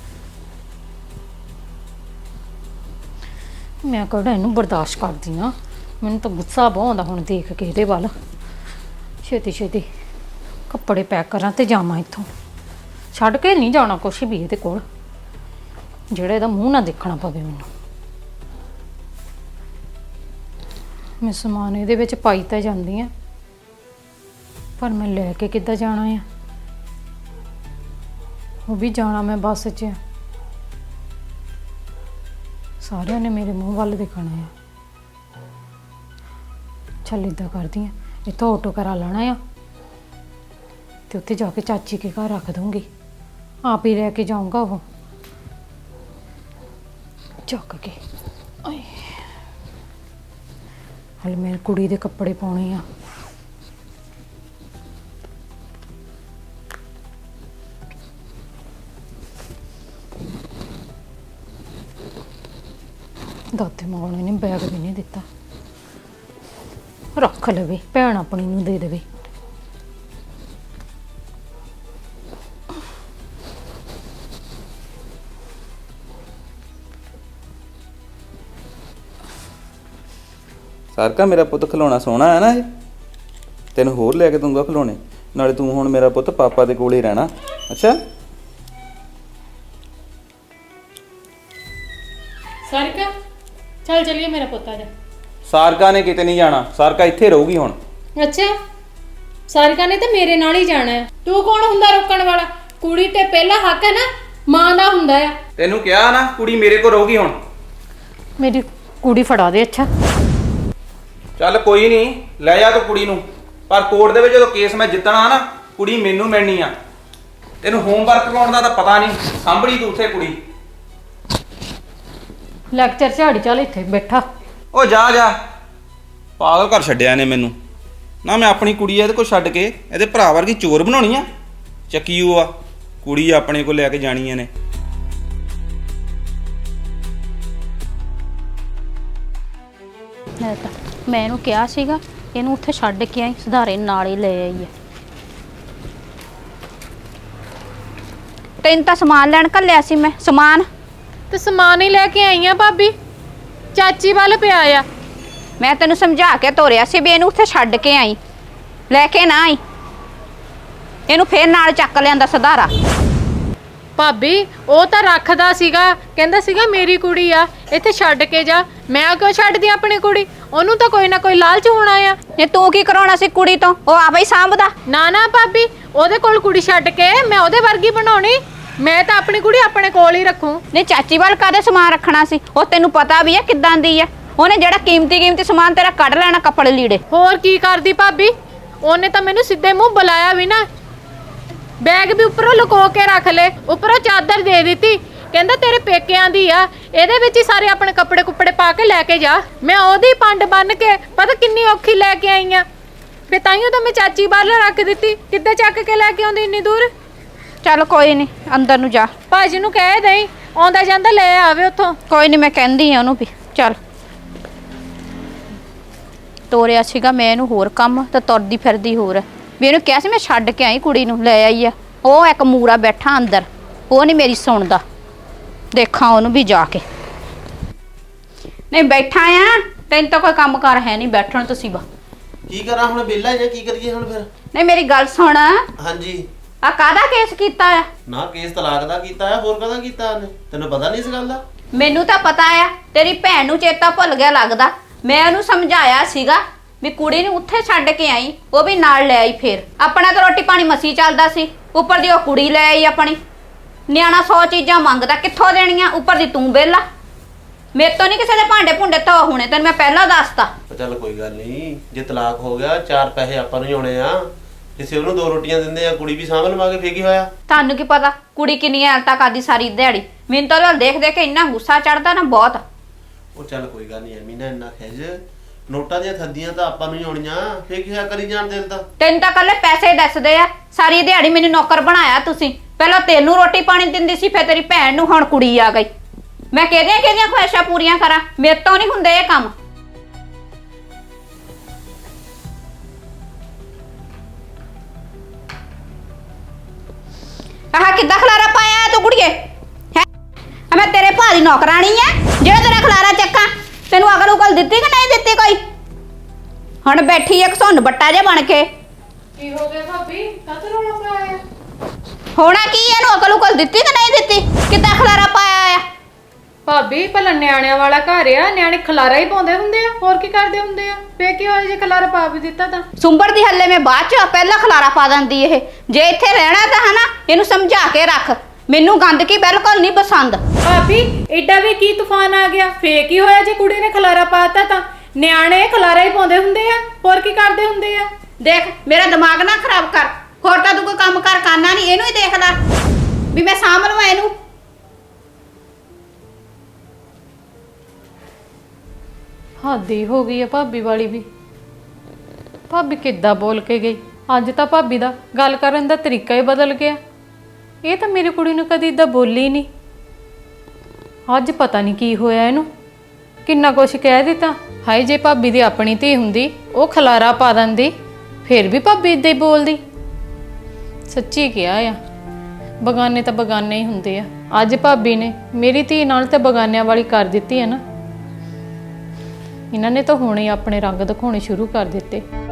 Speaker 1: ਮੈਂ ਕਿਹੜਾ ਇਹਨੂੰ ਬਰਦਾਸ਼ਤ ਕਰਦੀ ਆ? ਮੈਨੂੰ ਤਾਂ ਗੁੱਸਾ ਬਹੁਤ ਆਉਂਦਾ ਹੁਣ ਦੇਖ ਕੇ ਇਹਦੇ ਵੱਲ। ਛੇਤੀ ਛੇਤੀ ਕੱਪੜੇ ਪੈਕ ਕਰਾਂ ਤੇ ਜਾਵਾਂ ਇੱਥੋਂ। ਛੱਡ ਕੇ ਨਹੀਂ ਜਾਣਾ ਕੁਛ ਵੀ ਇਹਦੇ ਕੋਲ, ਜਿਹੜਾ ਇਹਦਾ ਮੂੰਹ ਨਾ ਦੇਖਣਾ ਪਵੇ ਮੈਨੂੰ। ਮੈਂ ਸਮਾਨ ਇਹਦੇ ਵਿੱਚ ਪਾਈ ਤਾਂ ਜਾਂਦੀ ਆ, ਪਰ ਮੈਂ ਲੈ ਕੇ ਕਿੱਦਾਂ ਜਾਣਾ ਆ? ਉਹ ਵੀ ਜਾਣਾ ਮੈਂ ਬੱਸ 'ਚ। ਸਾਰਿਆਂ ਨੇ ਮੇਰੇ ਮੂੰਹ ਵੱਲ ਦੇਖਣਾ ਆ। ਚੱਲ ਇੱਦਾਂ ਕਰਦੀ ਆ, ਇੱਥੋਂ ਆਟੋ ਕਰਾ ਲੈਣਾ ਆ ਤੇ ਉੱਥੇ ਜਾ ਕੇ ਚਾਚੀ ਕੇ ਘਰ ਰੱਖ ਦੂੰਗੀ। ਆਪ ਹੀ ਲੈ ਕੇ ਜਾਊਂਗਾ ਉਹ ਚੱਕ ਕੇ। ਆਏ ਹਲੇ ਮੈਂ ਕੁੜੀ ਦੇ ਕੱਪੜੇ ਪਾਉਣੇ ਆ। ਦਾਤੇ ਮਾਂ ਨੇ ਬੈਗ ਵੀ ਨਹੀਂ ਦਿੱਤਾ। ਰੱਖ ਲਵੇ, ਭੈਣ ਆਪਣੀ ਨੂੰ ਦੇ ਦੇਵੇ।
Speaker 3: ਸਾਰਕਾ ਮੇਰਾ ਪੁੱਤ ਖਿਲੌਣਾ ਸੋਹਣਾ ਹੈ ਨਾ, ਇਹ ਤੈਨੂੰ ਹੋਰ ਲੈ ਕੇ ਦੂੰਗਾ ਖਿਲੌਣੇ। ਨਾਲੇ ਤੂੰ ਹੁਣ ਮੇਰਾ ਪੁੱਤ ਪਾਪਾ ਦੇ ਕੋਲ ਹੀ ਰਹਿਣਾ। ਅੱਛਾ
Speaker 1: ਸਾਰਿਕਾ ਚੱਲ ਚਲੀਏ, ਮੇਰਾ ਪੁੱਤ ਆ ਜਾ।
Speaker 3: ਸਾਰਕਾ ਨੇ ਕਿਤੇ ਨਹੀਂ ਜਾਣਾ, ਸਾਰਕਾ ਇੱਥੇ ਰਹੂਗੀ ਹੁਣ।
Speaker 1: ਅੱਛਾ ਸਾਰਿਕਾ ਨੇ ਤਾਂ ਮੇਰੇ ਨਾਲ ਹੀ ਜਾਣਾ ਹੈ। ਤੂੰ ਕੌਣ ਹੁੰਦਾ ਰੋਕਣ ਵਾਲਾ? ਕੁੜੀ ਤੇ ਪਹਿਲਾ ਹੱਕ ਹੈ ਨਾ ਮਾਂ ਦਾ ਹੁੰਦਾ ਆ।
Speaker 3: ਤੈਨੂੰ ਕਿਹਾ ਨਾ ਕੁੜੀ ਮੇਰੇ ਕੋਲ ਰਹੂਗੀ ਹੁਣ।
Speaker 1: ਮੇਰੀ ਕੁੜੀ ਫੜਾ ਦੇ। ਅੱਛਾ
Speaker 3: ਚੱਲ ਕੋਈ ਨਹੀਂ, ਲੈ ਜਾ ਤੂੰ ਕੁੜੀ ਨੂੰ, ਪਰ ਕੋਰਟ ਦੇ ਵਿੱਚ ਜਦੋਂ ਕੇਸ ਮੈਂ ਜਿੱਤਣਾ ਨਾ, ਕੁੜੀ ਮੈਨੂੰ ਮਿਲਣੀ ਆ। ਤੈਨੂੰ ਹੋਮਵਰਕ ਕਰਾਉਣ ਦਾ ਤਾਂ ਪਤਾ ਨਹੀਂ, ਸਾਂਭਣੀ ਤੂੰ ਉੱਥੇ ਕੁੜੀ।
Speaker 1: ਲੈਕਚਰ ਝਾੜੀ ਚੱਲ ਇੱਥੇ ਬੈਠਾ।
Speaker 3: ਉਹ ਜਾ ਜਾ, ਪਾਗਲ ਕਰ ਛੱਡਿਆ ਨੇ ਮੈਨੂੰ ਨਾ। ਮੈਂ ਆਪਣੀ ਕੁੜੀ ਇਹਦੇ ਕੋਲ ਛੱਡ ਕੇ ਇਹਦੇ ਭਰਾ ਵਰਗੀ ਚੋਰ ਬਣਾਉਣੀ ਆ? ਚੱਕੀ ਉਹ ਆ ਕੁੜੀ ਆਪਣੇ ਕੋਲ ਲੈ ਕੇ ਜਾਣੀਆਂ ਨੇ।
Speaker 5: ਮੈਂ ਤਾਂ ਮੈਂ ਇਹਨੂੰ ਕਿਹਾ ਸੀਗਾ ਇਹਨੂੰ ਉੱਥੇ ਛੱਡ ਕੇ ਆਈ, ਸੁਧਾਰੇ ਨਾਲ ਹੀ ਲੈ ਆਈ ਹੈ। ਤੈਨੂੰ ਤਾਂ ਸਮਾਨ ਲੈਣ ਘੱਲਿਆ ਸੀ ਮੈਂ। ਸਮਾਨ
Speaker 1: ਤੇ ਸਮਾਨ ਹੀ ਲੈ ਕੇ ਆਈ ਆ ਭਾਬੀ, ਚਾਚੀ ਵੱਲ ਪਿਆ ਆ।
Speaker 5: ਮੈਂ ਤੈਨੂੰ ਸਮਝਾ ਕੇ ਤੋਰਿਆ ਸੀ ਵੀ ਇਹਨੂੰ ਉੱਥੇ ਛੱਡ ਕੇ ਆਈ, ਲੈ ਕੇ ਨਾ ਆਈ। ਇਹਨੂੰ ਫੇਰ ਨਾਲ ਚੱਕ ਲਿਆਂਦਾ ਸੁਧਾਰਾ।
Speaker 1: ਭਾਬੀ ਉਹ ਤਾਂ ਰੱਖਦਾ ਸੀਗਾ, ਕਹਿੰਦਾ ਸੀਗਾ ਮੇਰੀ ਕੁੜੀ ਆ, ਇੱਥੇ ਛੱਡ ਕੇ ਜਾ। ਮੈਂ ਕਿਉਂ ਛੱਡਦੀ ਆਪਣੀ ਕੁੜੀ? ਉਹਨੂੰ ਤਾਂ ਕੋਈ ਨਾ ਕੋਈ ਲਾਲਚ ਹੋਣਾ ਆ।
Speaker 5: ਇਹ ਤੂੰ ਕੀ ਕਰਾਉਣਾ ਸੀ ਕੁੜੀ ਤੋਂ? ਉਹ ਆਪੇ ਹੀ ਸਾਂਭਦਾ।
Speaker 1: ਨਾ ਨਾ ਭਾਬੀ, ਉਹਦੇ ਕੋਲ ਕੁੜੀ ਛੱਡ ਕੇ ਮੈਂ ਉਹਦੇ ਵਰਗੀ ਬਣਾਉਣੀ? ਮੈਂ ਤਾਂ ਆਪਣੀ ਕੁੜੀ ਆਪਣੇ ਕੋਲ ਹੀ ਰੱਖੂ।
Speaker 5: ਨਹੀਂ ਚਾਚੀ ਵੱਲ ਕਾਹਦੇ ਸਮਾਨ ਰੱਖਣਾ ਸੀ? ਉਹ ਤੈਨੂੰ ਪਤਾ ਵੀ ਹੈ ਕਿੱਦਾਂ ਦੀ ਹੈ। ਉਹਨੇ ਜਿਹੜਾ ਕੀਮਤੀ ਕੀਮਤੀ ਸਮਾਨ ਤੇਰਾ ਕੱਢ ਲੈਣਾ, ਕੱਪੜੇ ਲੀੜੇ।
Speaker 1: ਹੋਰ ਕੀ ਕਰਦੀ ਭਾਬੀ? ਉਹਨੇ ਤਾਂ ਮੈਨੂੰ ਸਿੱਧੇ ਮੂੰਹ ਬੁਲਾਇਆ ਵੀ ਨਾ। ਬੈਗ ਵੀ ਉੱਪਰੋਂ ਲੁਕੋ ਕੇ ਰੱਖ ਲੈ, ਉੱਪਰੋਂ ਚਾਦਰ ਦੇ ਦਿੱਤੀ ਕਹਿੰਦਾ ਤੇਰੇ ਪੇਕਿਆਂ ਦੀ ਆ, ਇਹਦੇ ਵਿੱਚ ਹੀ ਸਾਰੇ ਆਪਣੇ ਕੱਪੜੇ ਕੁੱਪੜੇ ਪਾ ਕੇ ਲੈ ਕੇ ਜਾ। ਮੈਂ ਉਹਦੀ ਪੰਡ ਬੰਨ ਕੇ ਪਤਾ ਕਿੰਨੀ ਔਖੀ ਲੈ ਕੇ ਆਈ ਆ। ਫੇ ਤਾਈਓ ਤਾਂ ਮੈਂ ਚਾਚੀ ਬਾਹਰ ਰੱਖ ਦਿੱਤੀ, ਕਿੱਦਾਂ ਚੱਕ ਕੇ ਲੈ ਕੇ ਆਉਂਦੀ ਇੰਨੀ ਦੂਰ।
Speaker 5: ਚੱਲ ਕੋਈ ਨਹੀਂ, ਅੰਦਰ ਨੂੰ ਜਾ।
Speaker 1: ਭਾਜੀ ਨੂੰ ਕਹਿ ਦੇਈ ਆਉਂਦਾ ਜਾਂਦਾ ਲੈ ਆਵੇ ਉੱਥੋਂ।
Speaker 5: ਕੋਈ ਨਹੀਂ, ਮੈਂ ਕਹਿੰਦੀ ਆ ਉਹਨੂੰ ਵੀ। ਚੱਲ ਤੋਰਿਆ ਸੀਗਾ ਮੈਂ ਇਹਨੂੰ ਹੋਰ ਕੰਮ, ਤੇ ਤੁਰਦੀ ਫਿਰਦੀ ਹੋਰ। ਵੀ ਇਹਨੂੰ ਕਿਹਾ ਸੀ ਮੈਂ ਛੱਡ ਕੇ ਆਈ ਕੁੜੀ ਨੂੰ, ਲੈ ਆਈ ਆ। ਉਹ ਇੱਕ ਮੂਰਾ ਬੈਠਾ ਅੰਦਰ, ਉਹ ਨਹੀਂ ਮੇਰੀ ਸੁਣਦਾ। ਦੇਖਾਂ ਉਹਨੂੰ ਵੀ ਜਾ ਕੇ। ਨਹੀਂ ਬੈਠਾ ਆ, ਤੈਨੂੰ ਤਾਂ ਕੋਈ ਕੰਮ ਕਾਰ ਹੈ ਨਹੀਂ, ਬੈਠਣ ਤੁਸੀਂ ਬਾ।
Speaker 6: ਕੀ ਕਰਾਂ ਹੁਣ, ਵਿਹਲਾ ਜਾਂ ਕੀ ਕਰੀਏ ਹੁਣ ਫਿਰ?
Speaker 5: ਨਹੀਂ ਮੇਰੀ ਗੱਲ ਸੁਣ,
Speaker 6: ਹਾਂਜੀ।
Speaker 5: ਆ ਕਾਹਦਾ ਕੇਸ ਕੀਤਾ ਆ?
Speaker 6: ਨਾ ਕੇਸ ਤਲਾਕ ਦਾ ਕੀਤਾ ਆ, ਹੋਰ ਕਾਹਦਾ ਕੀਤਾ ਉਹਨੇ? ਤੈਨੂੰ ਪਤਾ ਨਹੀਂ ਇਸ ਗੱਲ ਦਾ?
Speaker 5: ਮੈਨੂੰ ਤਾਂ ਪਤਾ ਆ, ਤੇਰੀ ਭੈਣ ਨੂੰ ਚੇਤਾ ਭੁੱਲ ਗਿਆ ਲੱਗਦਾ। ਮੈਂ ਉਹਨੂੰ ਸਮਝਾਇਆ ਸੀਗਾ ਵੀ ਕੁੜੀ ਨੂੰ ਉੱਥੇ ਛੱਡ ਕੇ ਆਈ, ਉਹ ਵੀ ਨਾਲ ਲੈ ਆਈ। ਫੇਰ ਆਪਣਾ ਤਾਂ ਰੋਟੀ ਪਾਣੀ ਮਸੀ ਚੱਲਦਾ ਸੀ, ਉੱਪਰ ਦੀ ਉਹ ਕੁੜੀ ਲੈ ਆਈ ਆਪਣੀ। ਨਿਆਣਾ ਸੌ ਚੀਜ਼ਾਂ ਮੰਗਦਾ, ਕਿੱਥੋਂ ਦੇਣੀਆਂ? ਉੱਪਰ ਦੀ ਤੂੰ ਵਿਹਲਾ। ਮੇਰੇ ਤੋਂ ਨਹੀਂ ਕਿਸੇ ਦੇ ਭਾਂਡੇ ਭੁੰਡੇ ਧੋ ਹੋਣੇ, ਤੈਨੂੰ ਮੈਂ ਪਹਿਲਾਂ ਦੱਸਤਾ।
Speaker 6: ਚੱਲ ਕੋਈ ਗੱਲ ਨਹੀਂ, ਜੇ ਤਲਾਕ ਹੋ ਗਿਆ ਚਾਰ ਪੈਸੇ ਆਪਾਂ ਨੂੰ ਹੀ ਆਉਣੇ ਆ। ਕਿਸੇ ਉਹਨੂੰ ਦੋ ਰੋਟੀਆਂ ਦਿੰਦੇ ਆ, ਕੁੜੀ ਵੀ ਸਾਂਭ ਲਵਾਂਗੇ, ਫੇਰ ਕੀ ਹੋਇਆ?
Speaker 5: ਤੁਹਾਨੂੰ ਕੀ ਪਤਾ ਕੁੜੀ ਕਿੰਨੀਆਂ ਹਾਲਤਾਂ ਕਰਦੀ ਸਾਰੀ ਦਿਹਾੜੀ। ਮੈਨੂੰ ਤਾਂ ਉਹਦੇ ਦੇਖ ਦੇਖ ਕੇ ਇੰਨਾ ਗੁੱਸਾ ਚੜਦਾ ਨਾ, ਬਹੁਤ।
Speaker 6: ਉਹ ਚੱਲ ਕੋਈ ਗੱਲ ਨਹੀਂ ਐਵੇਂ ਨਾ ਇੰਨਾ ਖਿਜ। ਨੋਟਾਂ ਦੀਆਂ ਥੱਦੀਆਂ ਤਾਂ ਆਪਾਂ ਨੂੰ ਹੀ ਆਉਣੀਆਂ, ਫੇਰ ਕੀ ਹੋਇਆ? ਕਰੀ ਜਾਣ ਦਿਲ ਤਾਂ।
Speaker 5: ਤੈਨੂੰ ਤਾਂ ਕੱਲੇ ਪੈਸੇ ਦੱਸਦੇ ਆ, ਸਾਰੀ ਦਿਹਾੜੀ ਮੈਨੂੰ ਨੌਕਰ ਬਣਾਇਆ ਤੁਸੀਂ। ਪਹਿਲਾਂ ਤੈਨੂੰ ਰੋਟੀ ਪਾਣੀ ਦਿੰਦੀ ਸੀ, ਫਿਰ ਤੇਰੀ ਭੈਣ ਨੂੰ, ਹੁਣ ਕੁੜੀ ਆ ਗਈ। ਮੈਂ ਕਿਹਦੀਆਂ ਕਿਹਦੀਆਂ ਖੁਆਇਸ਼ਾਂ ਪੂਰੀਆਂ ਕਰਾਂ? ਮੇਰੇ ਤੋਂ ਨਹੀਂ ਹੁੰਦੇ ਇਹ ਕੰਮ। ਆਹ ਕਿੱਦਾਂ ਖਲਾਰਾ ਪਾਇਆ ਤੂੰ ਕੁੜੀਏ? ਹੈ ਮੈਂ ਤੇਰੇ ਭਾ ਦੀ ਨੌਕਰਾਣੀ ਆ ਜਿਹੜਾ ਤੇਰਾ ਖਲਾਰਾ ਚੱਕਾਂ? ਤੈਨੂੰ ਅਕਲ ਉਕਲ ਦਿੱਤੀ ਕਿ ਨਹੀਂ ਦਿੱਤੀ ਕੋਈ? ਹੁਣ ਬੈਠੀ ਇੱਕ ਸੁੰਨ ਬੱਟਾ ਜਿਹਾ ਬਣ ਕੇ।
Speaker 1: ਕੀ ਹੋ ਗਿਆ ਭਾਬੀ, ਕਾਹਤੋਂ ਰੌਲਾ ਪਾਇਆ?
Speaker 5: ਹੋਣਾ ਕੀ? ਇਹਨੂੰ ਅਕਲ ਉਕਲ ਦਿੱਤੀ ਕਿ ਨਹੀਂ ਦਿੱਤੀ? ਕਿੱਦਾਂ ਖਲਾਰਾ ਪਾਇਆ ਆ?
Speaker 1: ਭਾਬੀ ਭਲਾ ਨਿਆਣਿਆਂ ਵਾਲਾ ਘਰ ਆ, ਨਿਆਣੇ ਖਲਾਰਾ ਹੀ ਪਾਉਂਦੇ ਹੁੰਦੇ ਆ, ਹੋਰ ਕੀ ਕਰਦੇ ਹੁੰਦੇ ਆ? ਫੇ ਕੀ ਹੋਇਆ ਜੇ ਖਲਾਰਾ ਪਾ ਵੀ ਦਿੱਤਾ ਤਾਂ?
Speaker 5: ਸੁੰਬੜ ਦੀ ਹੱਲੇ ਮੈਂ ਬਾਅਦ ਚ, ਪਹਿਲਾਂ ਖਲਾਰਾ ਪਾ ਦਿੰਦੀ ਇਹ। ਜੇ ਇੱਥੇ ਰਹਿਣਾ ਤਾਂ ਹਨਾ, ਇਹਨੂੰ ਸਮਝਾ ਕੇ ਰੱਖ। ਮੈਨੂੰ ਗੰਦਗੀ ਬਿਲਕੁਲ ਨਹੀਂ ਪਸੰਦ।
Speaker 1: ਭਾਬੀ ਏਡਾ ਵੀ ਕੀ ਤੂਫਾਨ ਆ ਗਿਆ? ਫੇ ਕੀ ਹੋਇਆ ਜੇ ਕੁੜੀ ਨੇ ਖਲਾਰਾ ਪਾਤਾ ਤਾਂ? ਨਿਆਣੇ ਖਲਾਰਾ ਹੀ ਪਾਉਂਦੇ ਹੁੰਦੇ ਆ, ਹੋਰ ਕੀ ਕਰਦੇ ਹੁੰਦੇ ਆ?
Speaker 5: ਦੇਖ ਮੇਰਾ ਦਿਮਾਗ ਨਾ ਖਰਾਬ ਕਰ। ਹੋਰ ਤਾਂ ਤੂੰ ਕੋਈ ਕੰਮ ਕਰ ਕਰਨਾ ਨਹੀਂ, ਇਹਨੂੰ ਹੀ ਦੇਖ ਲੈ ਵੀ ਮੈਂ ਸਾਂਭ ਲਵਾਂ ਇਹਨੂੰ।
Speaker 1: ਹੱਦੀ ਹੋ ਗਈ ਆ ਭਾਬੀ ਵਾਲੀ ਵੀ। ਭਾਬੀ ਕਿੱਦਾਂ ਬੋਲ ਕੇ ਗਈ? ਅੱਜ ਤਾਂ ਭਾਬੀ ਦਾ ਗੱਲ ਕਰਨ ਦਾ ਤਰੀਕਾ ਹੀ ਬਦਲ ਗਿਆ। ਇਹ ਤਾਂ ਮੇਰੀ ਕੁੜੀ ਨੂੰ ਕਦੀ ਇਦਾਂ ਬੋਲੀ ਨਹੀਂ। ਅੱਜ ਪਤਾ ਨਹੀਂ ਕੀ ਹੋਇਆ ਇਹਨੂੰ, ਕਿੰਨਾ ਕੁਛ ਕਹਿ ਦਿੱਤਾ। ਹਾਏ ਜੇ ਭਾਬੀ ਦੀ ਆਪਣੀ ਧੀ ਹੁੰਦੀ, ਉਹ ਖਲਾਰਾ ਪਾ ਦਿੰਦੀ, ਫਿਰ ਵੀ ਭਾਬੀ ਇਦਾਂ ਹੀ ਬੋਲਦੀ। ਸੱਚੀ ਕਿਹਾ ਆ, ਬਗਾਨੇ ਤਾਂ ਬਗਾਨੇ ਹੀ ਹੁੰਦੇ ਆ। ਅੱਜ ਭਾਬੀ ਨੇ ਮੇਰੀ ਧੀ ਨਾਲ ਤਾਂ ਬਗਾਨਿਆਂ ਵਾਲੀ ਕਰ ਦਿੱਤੀ ਹੈ ਨਾ। ਇਹਨਾਂ ਨੇ ਤਾਂ ਹੁਣੇ ਆਪਣੇ ਰੰਗ ਦਿਖਾਉਣੇ ਸ਼ੁਰੂ ਕਰ ਦਿੱਤੇ।